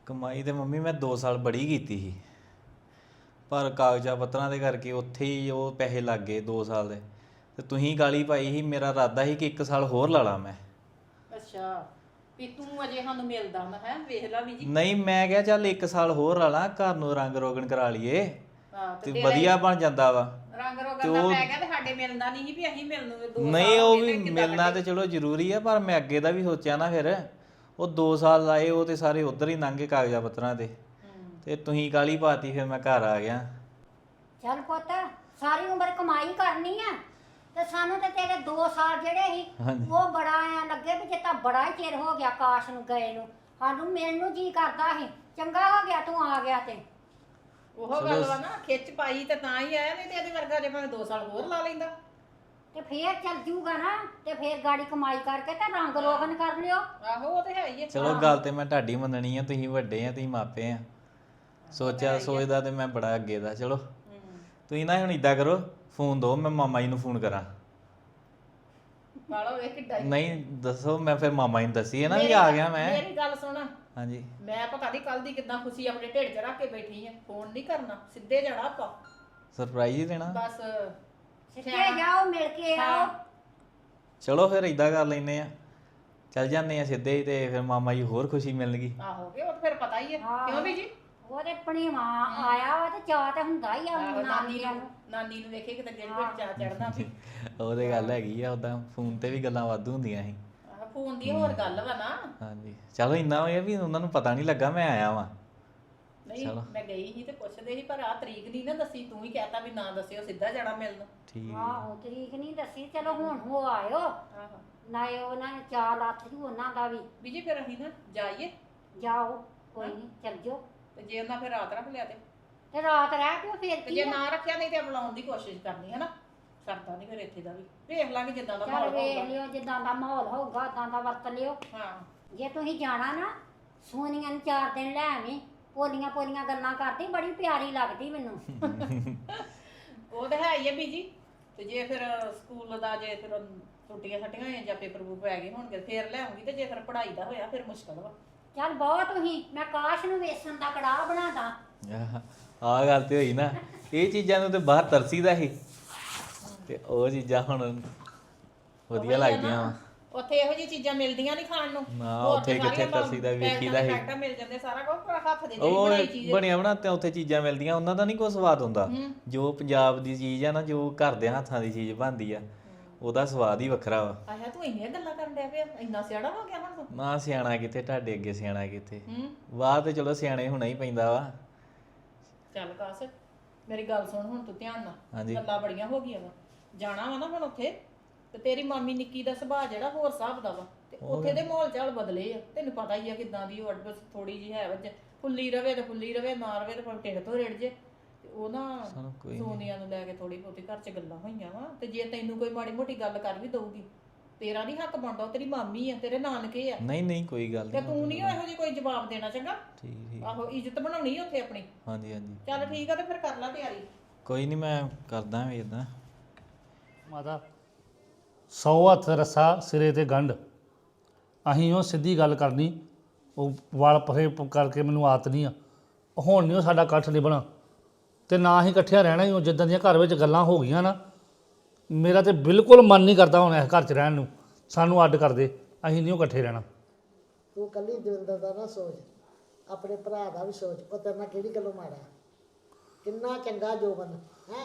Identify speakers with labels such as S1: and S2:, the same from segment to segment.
S1: ਕਮਾਈ ਤੇ ਮੰਮੀ ਮੈਂ 2 ਸਾਲ ਬੜੀ ਕੀਤੀ ਸੀ, ਪਰ ਕਾਗਜ਼ਾਂ ਪੱਤਰਾਂ ਦੇ ਕਰਕੇ ਉੱਥੇ ਹੀ ਉਹ ਪੈਸੇ ਲੱਗ ਗਏ 2 ਸਾਲ ਦੇ। ਤੇ ਤੁਸੀਂ ਗਾਲੀ ਪਾਈ ਸੀ, ਮੇਰਾ ਇਰਾਦਾ ਸੀ ਕਿ 1 ਸਾਲ ਹੋਰ ਲਾ ਲਾ ਮੈਂ।
S2: ਅੱਛਾ ਵੀ ਤੂੰ ਅਜੇ ਸਾਨੂੰ ਮਿਲਦਾ ਮੈਂ ਹੈ ਵੇਖ ਲਾ ਵੀ ਜੀ।
S1: ਨਹੀਂ, ਮੈਂ ਕਿਹਾ ਚੱਲ 1 ਸਾਲ ਹੋਰ ਲਾ ਲਾ, ਘਰ ਨੂੰ ਰੰਗ ਰੋਗਨ ਕਰਾ ਲਈਏ
S2: ਹਾਂ
S1: ਤੇ ਵਧੀਆ ਬਣ ਜਾਂਦਾ ਵਾ।
S2: ਰੰਗ ਰੋਗਨ ਦਾ ਪੈ ਗਿਆ ਤੇ ਸਾਡੇ ਮਿਲਦਾ ਨਹੀਂ ਸੀ ਵੀ ਅਸੀਂ ਮਿਲਣ ਨੂੰ 2 ਸਾਲ
S1: ਨਹੀਂ, ਉਹ
S2: ਹੋ ਗਏ
S1: ਵੀ
S2: ਤੇ ਕਿੱਦਾਂ
S1: ਮਿਲਣਾ ਤੇ ਚਲੋ ਜ਼ਰੂਰੀ ਆ, ਪਰ ਮੈਂ ਅੱਗੇ ਦਾ ਵੀ ਸੋਚਿਆ ਨਾ। ਫਿਰ ਉਹ 2 ਸਾਲ ਲਾਏ, ਉਹ ਤੇ ਸਾਰੇ ਉਧਰ ਹੀ ਲੰਘੇ ਕਾਗਜ਼ਾਂ ਪੱਤਰਾਂ ਤੇ। ਤੇ ਤੁਸੀਂ ਗਾਲੀ ਪਾਤੀ, ਫਿਰ ਮੈਂ ਘਰ ਆ ਗਿਆ।
S3: ਚੱਲ ਪੁੱਤ, ਸਾਰੀ ਉਮਰ ਕਮਾਈ ਕਰਨੀ ਆ ਤੇ ਸਾਨੂੰ ਤੇ ਤੇਰੇ 2 ਸਾਲ ਜਿਹੜੇ ਸੀ ਉਹ ਬੜਾ ਐ ਲੱਗੇ ਵੀ ਜਿੱਦਾਂ ਬੜਾ ਹੀ ਚਿਰ ਹੋ ਗਿਆ ਕਾਸ਼ ਨੂੰ ਗਏ ਨੂੰ। ਸਾਨੂੰ ਮਿਲਣ ਨੂੰ ਜੀ ਕਰਦਾ ਸੀ। ਚੰਗਾ ਹੋ ਗਿਆ ਤੂੰ ਆ ਗਿਆ। ਤੇ
S2: ਉਹ ਗੱਲ ਵਾ ਨਾ, ਖਿੱਚ ਪਾਈ ਤੇ ਤਾਂ ਹੀ ਆਇਆ, ਨਹੀਂ ਤੇ ਇਹਦੇ ਵਰਗਾ ਜੇ ਭਾਵੇਂ 2 ਸਾਲ ਹੋਰ ਲਾ ਲੈਂਦਾ
S3: ਤੇ ਫੇਰ ਚੱਲ ਜੂਗਾ ਨਾ, ਤੇ ਫੇਰ ਗਾੜੀ ਕਮਾਈ ਕਰਕੇ ਤੇ ਰੰਗ ਰੋਗਨ ਕਰ ਲਿਓ।
S2: ਆਹੋ ਉਹ ਤੇ ਹੈ ਹੀ ਹੈ।
S1: ਚਲੋ ਗੱਲ ਤੇ ਮੈਂ ਤੁਹਾਡੀ ਮੰਨਣੀ ਆ, ਤੁਸੀਂ ਵੱਡੇ ਆ, ਤੁਸੀਂ ਮਾਪੇ ਆ। ਸੋਚਦਾ ਤੇ ਮੈਂ ਬੜਾ ਅੱਗੇ ਦਾ। ਚਲੋ ਤੁਸੀਂ ਨਾ ਹੁਣ ਇਦਾਂ ਕਰੋ, ਫੋਨ ਦਿਓ, ਮੈਂ ਮਾਮਾ ਜੀ ਨੂੰ ਫੋਨ ਕਰਾਂ।
S2: ਵਾਲੋ ਇਹ ਕਿੱਡਾ
S1: ਨਹੀਂ ਦੱਸੋ, ਮੈਂ ਫਿਰ ਮਾਮਾ ਜੀ ਨੂੰ ਦੱਸੀ ਹੈ ਨਾ ਵੀ ਆ ਗਿਆ ਮੈਂ।
S2: ਮੇਰੀ ਗੱਲ ਸੁਣ,
S1: ਹਾਂਜੀ
S2: ਮੈਂ ਪਤਾ ਨਹੀਂ ਕੱਲ ਦੀ ਕਿੱਦਾਂ ਖੁਸ਼ੀ ਆਪਣੇ ਢਿੱਡ 'ਚ ਰੱਖ ਕੇ ਬੈਠੀ ਆ। ਫੋਨ ਨਹੀਂ ਕਰਨਾ, ਸਿੱਧੇ ਜਾਣਾ ਆਪਾਂ,
S1: ਸਰਪ੍ਰਾਈਜ਼ ਹੀ ਦੇਣਾ
S2: ਬਸ
S3: ਸਿੱਧੇ ਜਾਓ, ਮਿਲ ਕੇ ਆਓ।
S1: ਚਲੋ ਫਿਰ ਇਦਾਂ ਕਰ ਲੈਨੇ ਆ, ਚੱਲ ਜਾਂਦੇ ਆ ਸਿੱਧੇ ਹੀ, ਤੇ ਫਿਰ ਮਾਮਾ ਜੀ ਹੋਰ ਖੁਸ਼ੀ ਮਿਲਣਗੀ।
S2: ਆਹੋ ਕਿ ਉਹ ਤਾਂ ਫਿਰ ਪਤਾ ਹੀ ਹੈ ਕਿਉਂ ਵੀ ਜੀ।
S3: ਉਹਦੇ ਆਪਣੀ ਮਾਂ ਆਇਆ ਵਾ ਤੇ ਚਾਹ ਤੇ ਹੁੰਦਾ ਹੀ ਆ
S2: ਨਾਨੀ ਨੂੰ ਵੇਖੇ ਕਿਤੇ ਦਿਲ ਵਿੱਚ ਚਾਹ ਚੜਨਾ ਵੀ।
S1: ਉਹ ਤੇ ਗੱਲ ਹੈਗੀ ਆ, ਉਦਾਂ ਫੋਨ ਤੇ ਵੀ ਗੱਲਾਂ ਵਾਧੂ ਹੁੰਦੀਆਂ ਸੀ।
S2: ਫੋਨ ਦੀ ਹੋਰ ਗੱਲ ਵਾ ਨਾ।
S1: ਹਾਂਜੀ ਚਲੋ ਇੰਨਾ ਹੋਇਆ ਵੀ ਉਹਨਾਂ ਨੂੰ ਪਤਾ ਨਹੀਂ ਲੱਗਾ ਮੈਂ ਆਇਆ ਵਾਂ।
S2: ਨਹੀਂ ਮੈਂ ਗਈ ਸੀ ਤੇ ਪੁੱਛਦੇ ਸੀ, ਪਰ ਆ ਤਰੀਕ ਨਹੀਂ ਨਾ ਦੱਸੀ। ਤੂੰ ਹੀ ਕਹਿਤਾ ਵੀ ਨਾ ਦੱਸਿਓ, ਸਿੱਧਾ ਜਾਣਾ ਮਿਲਣ।
S1: ਠੀਕ
S3: ਆਹੋ ਤਰੀਕ ਨਹੀਂ ਦੱਸੀ। ਚਲੋ ਹੁਣ ਹੋ ਆਇਓ।
S2: ਆਹੋ
S3: ਨਾਲੇ ਉਹਨਾਂ ਨੇ ਚਾਹ ਲੱਥ ਜੂ ਉਹਨਾਂ ਦਾ ਵੀ।
S2: ਜੀ ਫਿਰ ਅਸੀਂ ਨਾ ਜਾਈਏ।
S3: ਜਾਓ ਕੋਈ ਨਹੀਂ, ਚੱਲ ਜਾਓ।
S2: ਤੇ ਜੇ ਉਹਨਾਂ ਫਿਰ ਰਾਤ ਰੱਖ ਲਿਆ
S3: ਤੇ ਰਾਤ ਰਹਿ ਪਿਓ ਫੇਰ
S2: ਤੇ
S3: ਕੀ
S2: ਜੇ
S3: ਆ?
S2: ਨਾ ਰੱਖਿਆ ਨਹੀਂ ਤੇ ਬੁਲਾਉਣ ਦੀ ਕੋਸ਼ਿਸ਼ ਕਰਨੀ ਹੈ ਨਾ। ਸਰਦਾ ਨਹੀਂ ਫਿਰ ਇੱਥੇ ਦਾ ਵੀ ਵੇਖ ਲਾਂਗੇ ਜਿੱਦਾਂ ਦਾ
S3: ਚੱਲ
S2: ਮਾਹੌਲ
S3: ਵੇਖ
S2: ਹੋਊਗਾ।
S3: ਲਿਓ, ਜਿੱਦਾਂ ਦਾ ਮਾਹੌਲ ਹੋਊਗਾ ਉਦਾਂ ਦਾ ਵਰਤ ਲਿਓ।
S2: ਹਾਂ
S3: ਜੇ ਤੁਸੀਂ ਜਾਣਾ ਨਾ, ਸੋਨੀਆ ਨੂੰ 4 ਦਿਨ ਲੈ ਆਵੀਂ। ਪੋਲੀਆਂ ਪੋਲੀਆਂ ਗੱਲਾਂ ਕਰਦੀ, ਬੜੀ ਪਿਆਰੀ ਲੱਗਦੀ ਮੈਨੂੰ।
S2: ਉਹ ਤਾਂ ਹੈ ਹੀ ਹੈ ਬੀਜੀ। ਤੇ ਜੇ ਫਿਰ ਸਕੂਲ ਦਾ ਜੇ ਫਿਰ ਛੁੱਟੀਆਂ ਛੱਟੀਆਂ ਹੋਈਆਂ ਜਾਂ ਪੇਪਰ ਪੂਪਰ ਪੈ ਗਏ ਹੋਣਗੇ ਫਿਰ ਲੈ ਆਉਂਗੀ। ਤੇ ਜੇ ਫਿਰ ਪੜ੍ਹਾਈ ਦਾ ਹੋਇਆ ਫਿਰ ਮੁਸ਼ਕਲ ਵਾ।
S3: ਚੱਲ ਬਹੁਤ ਤੁਸੀਂ, ਮੈਂ ਕਾਸ਼ ਨੂੰ ਵੇਸਣ ਦਾ ਕੜਾਹ ਬਣਾਦਾ।
S1: ਆਹ ਗੱਲ ਤੇ ਹੋਈ ਨਾ, ਇਹ ਚੀਜ਼ਾਂ ਨੂੰ ਤੇ ਬਾਹਰ ਤਰਸੀਦਾ ਸੀ, ਤੇ ਉਹ ਚੀਜ਼ਾਂ ਹੁਣ ਵਧੀਆ ਲੱਗਦੀਆਂ ਵਾ।
S2: ਉੱਥੇ ਇਹੋ ਜਿਹੀ ਚੀਜ਼ਾਂ ਮਿਲਦੀਆਂ ਨਹੀਂ ਖਾਣ ਨੂੰ।
S1: ਨਾ ਉੱਥੇ ਕਿੱਥੇ ਤਰਸੀਦਾ ਵੇਖੀਦਾ ਸੀ।
S2: ਫੈਕਟਾ ਮਿਲ ਜਾਂਦੇ ਸਾਰਾ ਕੁਝ, ਪਰ ਹੱਥ ਦੇ
S1: ਉਹ
S2: ਬਣਾਈ ਚੀਜ਼
S1: ਬਣਿਆ ਬਣਾ ਤੇ ਉੱਥੇ ਚੀਜ਼ਾਂ ਮਿਲਦੀਆਂ, ਉਹਨਾਂ ਦਾ ਨਹੀਂ ਕੋਈ ਸਵਾਦ ਹੁੰਦਾ। ਜੋ ਪੰਜਾਬ ਦੀ ਚੀਜ਼ ਆ ਨਾ, ਜੋ ਘਰ ਦੇ ਹੱਥਾਂ ਦੀ ਚੀਜ਼ ਬਣਦੀ ਆ, ਉਹਦਾ ਸਵਾਦ ਹੀ ਵੱਖਰਾ ਵਾ।
S2: ਆਇਆ ਤੂੰ ਇੰਨੀਆਂ ਗੱਲਾਂ ਕਰਨ ਡਿਆ ਪਿਆ, ਇੰਨਾ ਸਿਆਣਾ ਹੋ ਗਿਆ ਹੁਣ ਤੂੰ।
S1: ਨਾ ਸਿਆਣਾ ਕਿੱਥੇ, ਤੁਹਾਡੇ ਅੱਗੇ ਸਿਆਣਾ ਕਿੱਥੇ। ਵਾਹ ਤੇ ਚਲੋ ਸਿਆਣੇ ਹੋਣਾ ਹੀ ਪੈਂਦਾ ਵਾ।
S2: ਚੱਲ ਕਾਸ, ਮੇਰੀ ਗੱਲ ਸੁਣ ਹੁਣ ਤੂੰ ਧਿਆਨ ਨਾਲ।
S1: ਹਾਂਜੀ
S2: ਗੱਲਾਂ ਬੜੀਆਂ ਹੋ ਗਈਆਂ ਵਾ, ਜਾਣਾ ਵਾ ਨਾ ਹੁਣ ਉੱਥੇ। ਤੇ ਤੇਰੀ ਮਾਮੀ ਨਿੱਕੀ ਦਾ ਸੁਭਾਅ ਜਿਹੜਾ ਹੋਰ ਹਿਸਾਬ ਦਾ ਵਾ, ਤੇ ਉੱਥੇ ਦੇ ਮਾਹੌਲ ਚਾਲ ਬਦਲੇ ਆ। ਤੈਨੂੰ ਪਤਾ ਹੀ ਆ ਕਿਦਾਂ ਦੀ ਉਹ ਅਡਬਸ ਥੋੜੀ ਜਿਹੀ ਹੈ ਵਜ, ਫੁੱਲੀ ਰਵੇ ਤੇ ਫੁੱਲੀ ਰਵੇ, ਨਾ ਰਵੇ ਤੇ ਭਾਵੇਂ ਢਿੱਡ ਤੋਂ ਰਿੜ ਜੇ। ਤੇ ਉਹ ਨਾ ਸੋਨੀਆ ਨੂੰ ਲੈ ਕੇ ਥੋੜੀ ਬਹੁਤੀ ਘਰ 'ਚ ਗੱਲਾਂ ਹੋਈਆਂ ਵਾ। ਤੇ ਜੇ ਤੈਨੂੰ ਕੋਈ ਮਾੜੀ ਮੋਟੀ ਗੱਲ ਕਰ ਵੀ ਦਊਗੀ, ਤੇਰਾ ਨਹੀਂ ਹੱਕ ਬਣਦਾ। ਉਹ ਤੇਰੀ ਮਾਮੀ ਆ, ਤੇਰੇ ਨਾਨਕੇ ਆ।
S1: ਨਹੀਂ ਕੋਈ ਗੱਲ
S2: ਤੇ
S1: ਨਹੀਂ,
S2: ਤੂੰ ਨਹੀਂ ਇਹੋ ਜਿਹੀ ਕੋਈ ਜਵਾਬ ਦੇਣਾ। ਚੰਗਾ
S1: ਠੀਕ
S2: ਆਹੋ, ਇੱਜ਼ਤ ਬਣਾਉਣੀ ਉੱਥੇ ਆਪਣੀ।
S1: ਹਾਂਜੀ
S2: ਚੱਲ ਠੀਕ ਆ, ਤੇ ਫਿਰ ਕਰ ਲੈ ਤਿਆਰੀ।
S1: ਕੋਈ ਨਹੀਂ, ਮੈਂ ਕਰਦਾ ਵੀ ਇਦਾਂ।
S4: ਮਾਤਾ 100 ਹੱਥ ਰੱਸਾ ਸਿਰੇ ਤੇ ਗੰਢ। ਅਸੀਂ ਉਹ ਸਿੱਧੀ ਗੱਲ ਕਰਨੀ, ਉਹ ਵਾਲ ਪਰੇ ਕਰਕੇ ਮੈਨੂੰ ਆਦਤ ਨਹੀਂ ਆ। ਹੁਣ ਨਹੀਂ ਉਹ ਸਾਡਾ ਇਕੱਠ ਨਿਭਣਾ, ਤੇ ਨਾ ਹੀ ਇਕੱਠਿਆਂ ਰਹਿਣਾ ਹੀ। ਉਹ ਜਿੱਦਾਂ ਦੀਆਂ ਘਰ ਵਿੱਚ ਗੱਲਾਂ ਹੋ ਗਈਆਂ ਨਾ, ਮੇਰਾ ਤੇ ਬਿਲਕੁਲ ਮਨ ਨਹੀਂ ਕਰਦਾ ਹੁਣ ਇਸ ਘਰ 'ਚ ਰਹਿਣ ਨੂੰ। ਸਾਨੂੰ ਅੱਡ ਕਰ ਦੇ, ਅਸੀਂ ਨਹੀਂ ਉਹ ਇਕੱਠੇ ਰਹਿਣਾ।
S5: ਤੂੰ ਇਕੱਲੀ ਦਵਿੰਦਰ ਦਾ ਨਾ ਸੋਚ, ਆਪਣੇ ਭਰਾ ਦਾ ਵੀ ਸੋਚ। ਉਹ ਤੇਰੇ ਨਾਲ ਕਿਹੜੀ ਗੱਲੋਂ ਮਾੜਾ, ਕਿੰਨਾ ਚੰਗਾ ਜੋਬਨ ਹੈ।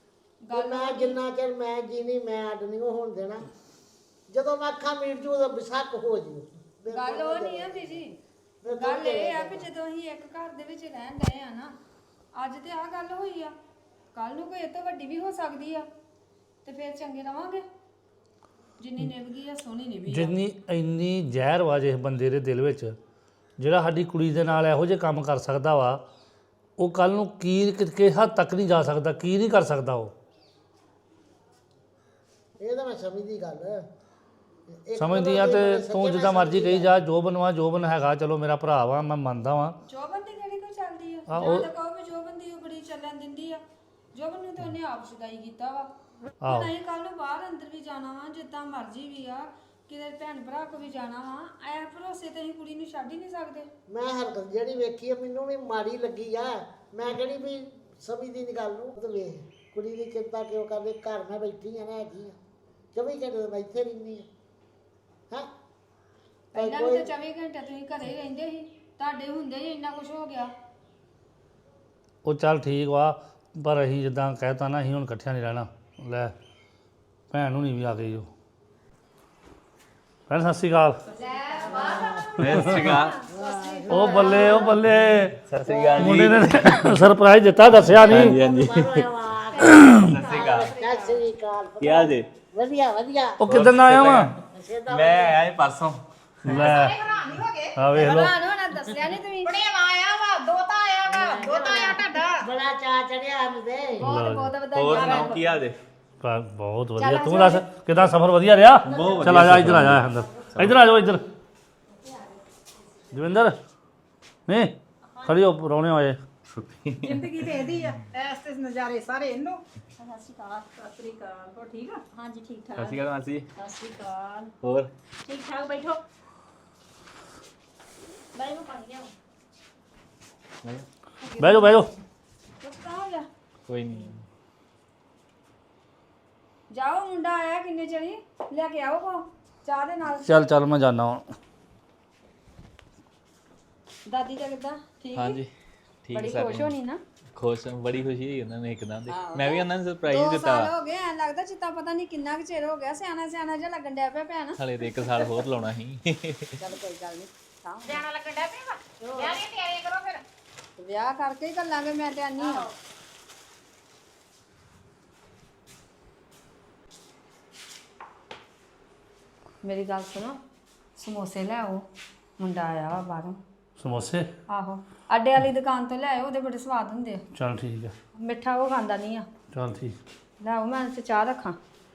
S5: ਮੈਂ ਜਿੰਨਾ ਚਿਰ ਮੈਂ ਜੀਣੀ, ਮੈਂ ਅੱਡ ਨਹੀਂ ਹੋਣ ਦੇਣਾ। ਜਦੋਂ ਮੈਂ ਅੱਖਾਂ ਮੀਟ ਜੂ ਉਦੋਂ ਵਿਸਕ ਹੋ ਜੂ।
S6: ਗੱਲ ਉਹ ਨਹੀਂ ਆ ਬੀਜੀ, ਗੱਲ ਇਹ ਆ ਕਿ ਜਦੋਂ ਅਸੀਂ ਇੱਕ ਘਰ ਦੇ ਵਿੱਚ ਰਹਿਣ ਡਏ ਆ ਨਾ, ਅੱਜ ਤੇ ਆਹ ਗੱਲ ਹੋਈ ਆ, ਕੱਲ ਨੂੰ ਕੋਈ ਇਹ ਤੋਂ ਵੱਡੀ ਵੀ ਹੋ ਸਕਦੀ ਆ, ਤੇ ਫਿਰ ਚੰਗੇ ਰਵਾਂਗੇ। ਜਿੰਨੀ ਨਿਭ ਗਈ ਆ ਸੋਹਣੀ ਨਿਭੀ ਆ।
S4: ਜਿੰਨੀ ਇੰਨੀ ਜ਼ਹਿਰ ਵਾ ਜਿਸ ਬੰਦੇ ਦੇ ਦਿਲ ਵਿੱਚ, ਜਿਹੜਾ ਸਾਡੀ ਕੁੜੀ ਦੇ ਨਾਲ ਇਹੋ ਜਿਹੇ ਕੰਮ ਕਰ ਸਕਦਾ ਵਾ, ਉਹ ਕੱਲ ਨੂੰ ਕੀ ਕਿਸ ਹੱਦ ਤੱਕ ਨਹੀਂ ਜਾ ਸਕਦਾ, ਕੀ ਨਹੀਂ ਕਰ ਸਕਦਾ ਉਹ।
S5: ਇਹ ਤਾਂ ਮੈਂ ਸਮਝਦੀ ਗੱਲ।
S4: ਸਮਝਦੀ ਆ ਤੇ ਤੂੰ ਜਿੱਦਾਂ ਮਰਜ਼ੀ ਕਹੀ ਜਾ। ਜੋਬਨ ਹੈਗਾ, ਚਲੋ ਮੇਰਾ ਭਰਾ ਵਾ, ਮੈਂ ਮੰਨਦਾ ਵਾਂ।
S6: ਜੋਬਨ ਦੀ ਕਿਹੜੀ ਕੋਈ ਚੱਲਦੀ ਆ?
S4: ਹਾਂ,
S6: ਜਾਂ ਤਾਂ ਕਹੋ ਵੀ ਜੋਬਨ ਦੀ ਉਹ ਬੜੀ ਚੱਲਣ ਦਿੰਦੀ ਆ। ਜੋਬਨ ਨੂੰ ਤਾਂ ਉਹਨੇ ਆਪ ਸਗਾਈ ਕੀਤਾ ਵਾ। ਹੁਣ ਅਸੀਂ ਕੱਲ ਨੂੰ ਬਾਹਰ ਅੰਦਰ ਵੀ ਜਾਣਾ ਵਾ, ਜਿੱਦਾਂ ਮਰਜ਼ੀ ਵੀ ਆ, ਕਿਤੇ ਭੈਣ ਭਰਾ ਕੋ ਵੀ ਜਾਣਾ ਵਾ ਐ ਭਰੋਸੇ ਤੇ ਅਸੀਂ ਕੁੜੀ ਨੂੰ ਛੱਡ ਹੀ ਨਹੀਂ ਸਕਦੇ।
S5: ਮੈਂ ਹਰਕਤ ਜਿਹੜੀ ਵੇਖੀ ਆ ਮੈਨੂੰ ਵੀ ਮਾੜੀ ਲੱਗੀ ਆ। ਮੈਂ ਕਹਿੰਦੀ ਵੀ ਸਮਝਦੀ ਨਹੀਂ ਗੱਲ ਨੂੰ। ਤੇ ਵੇਖ ਕੁੜੀ ਦੀ ਚਿੰਤਾ ਕਿਉਂ ਕਰਦੇ, ਘਰ ਮੈਂ ਬੈਠੀ ਆ ਨਾ ਹੈਗੀ ਆ 24 ਘੰਟੇ ਮੈਂ ਇੱਥੇ ਰਹਿੰਦੀ ਆ। ਹਾਂ
S6: ਪਹਿਲਾਂ ਵੀ ਤਾਂ 24 ਘੰਟੇ ਤੁਸੀਂ ਘਰੇ ਹੀ ਰਹਿੰਦੇ ਸੀ, ਤੁਹਾਡੇ ਹੁੰਦੇ ਹੀ ਇੰਨਾ ਕੁਝ ਹੋ ਗਿਆ।
S4: ਉਹ ਚੱਲ ਠੀਕ ਵਾ, ਪਰ ਅਸੀਂ ਜਿੱਦਾਂ ਕਹਿਤਾ ਨਾ ਅਸੀਂ ਹੁਣ ਇਕੱਠਿਆਂ ਨਹੀਂ ਰਹਿਣਾ। ਲੈ ਭੈਣ ਨੂੰ ਨਹੀਂ ਵੀ ਆ ਗਈ ਉਹ। ਭੈਣ ਸਤਿ ਸ਼੍ਰੀ ਅਕਾਲ।
S1: ਸਤਿ ਸ਼੍ਰੀ ਅਕਾਲ।
S4: ਉਹ ਬੱਲੇ ਉਹ ਬੱਲੇ,
S1: ਸਤਿ ਸ਼੍ਰੀ ਅਕਾਲ
S4: ਮੁੰਡੇ ਨੇ ਸਰਪ੍ਰਾਈਜ਼ ਦਿੱਤਾ, ਦੱਸਿਆ ਨਹੀਂ।
S1: ਹਾਂਜੀ
S5: ਸਤਿ ਸ੍ਰੀ ਅਕਾਲ।
S1: ਕੀ ਹਾਲ ਜੀ?
S5: ਵਧੀਆ ਵਧੀਆ।
S4: ਉਹ ਕਿੱਦਣ ਆਇਆ ਵਾ?
S1: ਮੈਂ ਆਇਆ ਸੀ ਪਰਸੋਂ।
S4: ਲੈ ਆ ਵੇਖ ਲਓ।
S6: ਨਾ ਦੱਸਿਆ ਨਹੀਂ ਤੁਸੀਂ।
S2: ਬੜੇ ਆਇਆ ਵਾ ਦੋਤਾ ਆਇਆ ਵਾ ਦੋਤਾ ਆਇਆ ਤੁਹਾਡਾ।
S5: ਬੜਾ ਚਾਅ ਚੜਿਆ ਸਾਨੂੰ ਤੇ।
S6: ਬਹੁਤ ਬਹੁਤ
S1: ਹੋਰ
S6: ਵਧਾਈਆਂ।
S1: ਸੁਣਾਓ ਕੀ ਹਾਲ ਜੀ?
S4: ਬਹੁਤ ਵਧੀਆ। ਤੂੰ ਦੱਸ ਕਿੱਦਾਂ ਸਫ਼ਰ ਵਧੀਆ ਰਿਹਾ? ਚਲ ਆ ਜਾ ਇੱਧਰ, ਆ ਜਾ ਅੰਦਰ, ਇੱਧਰ ਆ ਜਾਓ ਇੱਧਰ। ਦਵਿੰਦਰ ਨਹੀਂ ਖੜੀ ਹੋ, ਪ੍ਰਾਹੁਣੇ ਆਏ।
S2: ਜ਼ਿੰਦਗੀ ਤੇ ਇਹਦੀ ਆ ਐਸ ਤੇ ਨਜ਼ਾਰੇ ਸਾਰੇ ਇਹਨੂੰ। ਸਤਿ ਸ਼੍ਰੀ ਅਕਾਲ ਹੋ ਠੀਕ ਆ?
S3: ਹਾਂਜੀ ਠੀਕ ਠਾਕ।
S1: ਸਤਿ ਸ਼੍ਰੀ ਅਕਾਲ ਮਾਸੀ।
S2: ਸਤਿ ਸ਼੍ਰੀ ਅਕਾਲ।
S1: ਹੋਰ
S2: ਠੀਕ ਠਾਕ ਬੈਠੋ।
S3: ਬਾਈ ਨੂੰ ਪਾਣੀ ਲਿਆਓ।
S4: ਬਹਿ ਜਾਓ ਬਹਿ ਜਾਓ।
S6: ਕਹਾਂ ਜਾ
S1: ਕੋਈ ਨਹੀਂ।
S6: ਜਾਓ, ਮੁੰਡਾ ਆਇਆ ਕਿੰਨੇ ਚਣੀ ਲੈ ਕੇ ਆਓ ਕੋ ਚਾਹ ਦੇ ਨਾਲ।
S4: ਚੱਲ ਚੱਲ ਮੈਂ ਜਾਣਾ ਹੁਣ।
S6: ਦਾਦੀ ਦਾ ਕਿੱਦਾਂ ਠੀਕ?
S1: ਹਾਂਜੀ ਠੀਕ
S6: ਬੜੀ
S1: ਸਾਰੇ
S6: ਖੁਸ਼ ਹੋਣੀ ਨਾ।
S1: ਖੁਸ਼, ਬੜੀ ਖੁਸ਼ੀ ਹੋਈ ਉਹਨਾਂ ਨੇ ਇੱਕਦਮ ਦੀ। ਮੈਂ ਵੀ ਉਹਨਾਂ ਨੂੰ ਸਰਪ੍ਰਾਈਜ਼
S6: 2
S1: ਦਿੱਤਾ
S6: ਸਾਲ
S1: ਵਾ।
S6: ਹੋ ਗਏ, ਐ ਲੱਗਦਾ ਚਿੱਤਾ ਪਤਾ ਨਹੀਂ ਕਿੰਨਾ ਕੁ ਚਿਰ ਹੋ ਗਿਆ। ਸਿਆਣਾ ਸਿਆਣਾ ਜਿਹਾ ਲੱਗਣ ਡਿਆ ਪਿਆ ਭੈਣ।
S1: ਹਲੇ ਤੇ 1 ਸਾਲ ਹੋਰ ਲਾਉਣਾ ਸੀ।
S6: ਚੱਲ ਕੋਈ ਗੱਲ ਨਹੀਂ,
S2: ਜਾਣਾ ਲੱਗਣ ਡਿਆ ਪਿਆ ਵਾ। ਵਿਆਹ ਦੀ ਤਿਆਰੀ ਕਰੋ ਫਿਰ।
S6: ਵਿਆਹ ਕਰਕੇ ਹੀ ਗੱਲਾਂਗੇ। ਮੈਂ ਤੇ ਆਨੀ ਆ। ਮੇਰੀ ਗੱਲ ਸੁਣੋ, ਸਮੋਸੇ ਲੈ ਆਓ, ਮੁੰਡਾ ਆਇਆ ਵਾ ਬਾਹਰੋਂ।
S4: ਸਮੋਸੇ?
S6: ਆਹੋ, ਅੱਡੇ ਵਾਲੀ ਦੁਕਾਨ ਤੋਂ ਲੈ ਆਓ, ਉਹਦੇ ਬੜੇ ਸਵਾਦ ਹੁੰਦੇ ਆ।
S4: ਚੱਲ ਠੀਕ ਹੈ।
S6: ਮਿੱਠਾ ਉਹ ਖਾਂਦਾ ਨਹੀਂ ਆ।
S4: ਚੱਲ ਠੀਕ।
S6: ਲੈ ਆਓ, ਮੈਂ ਤੇ ਚਾਹ ਰੱਖਾਂ।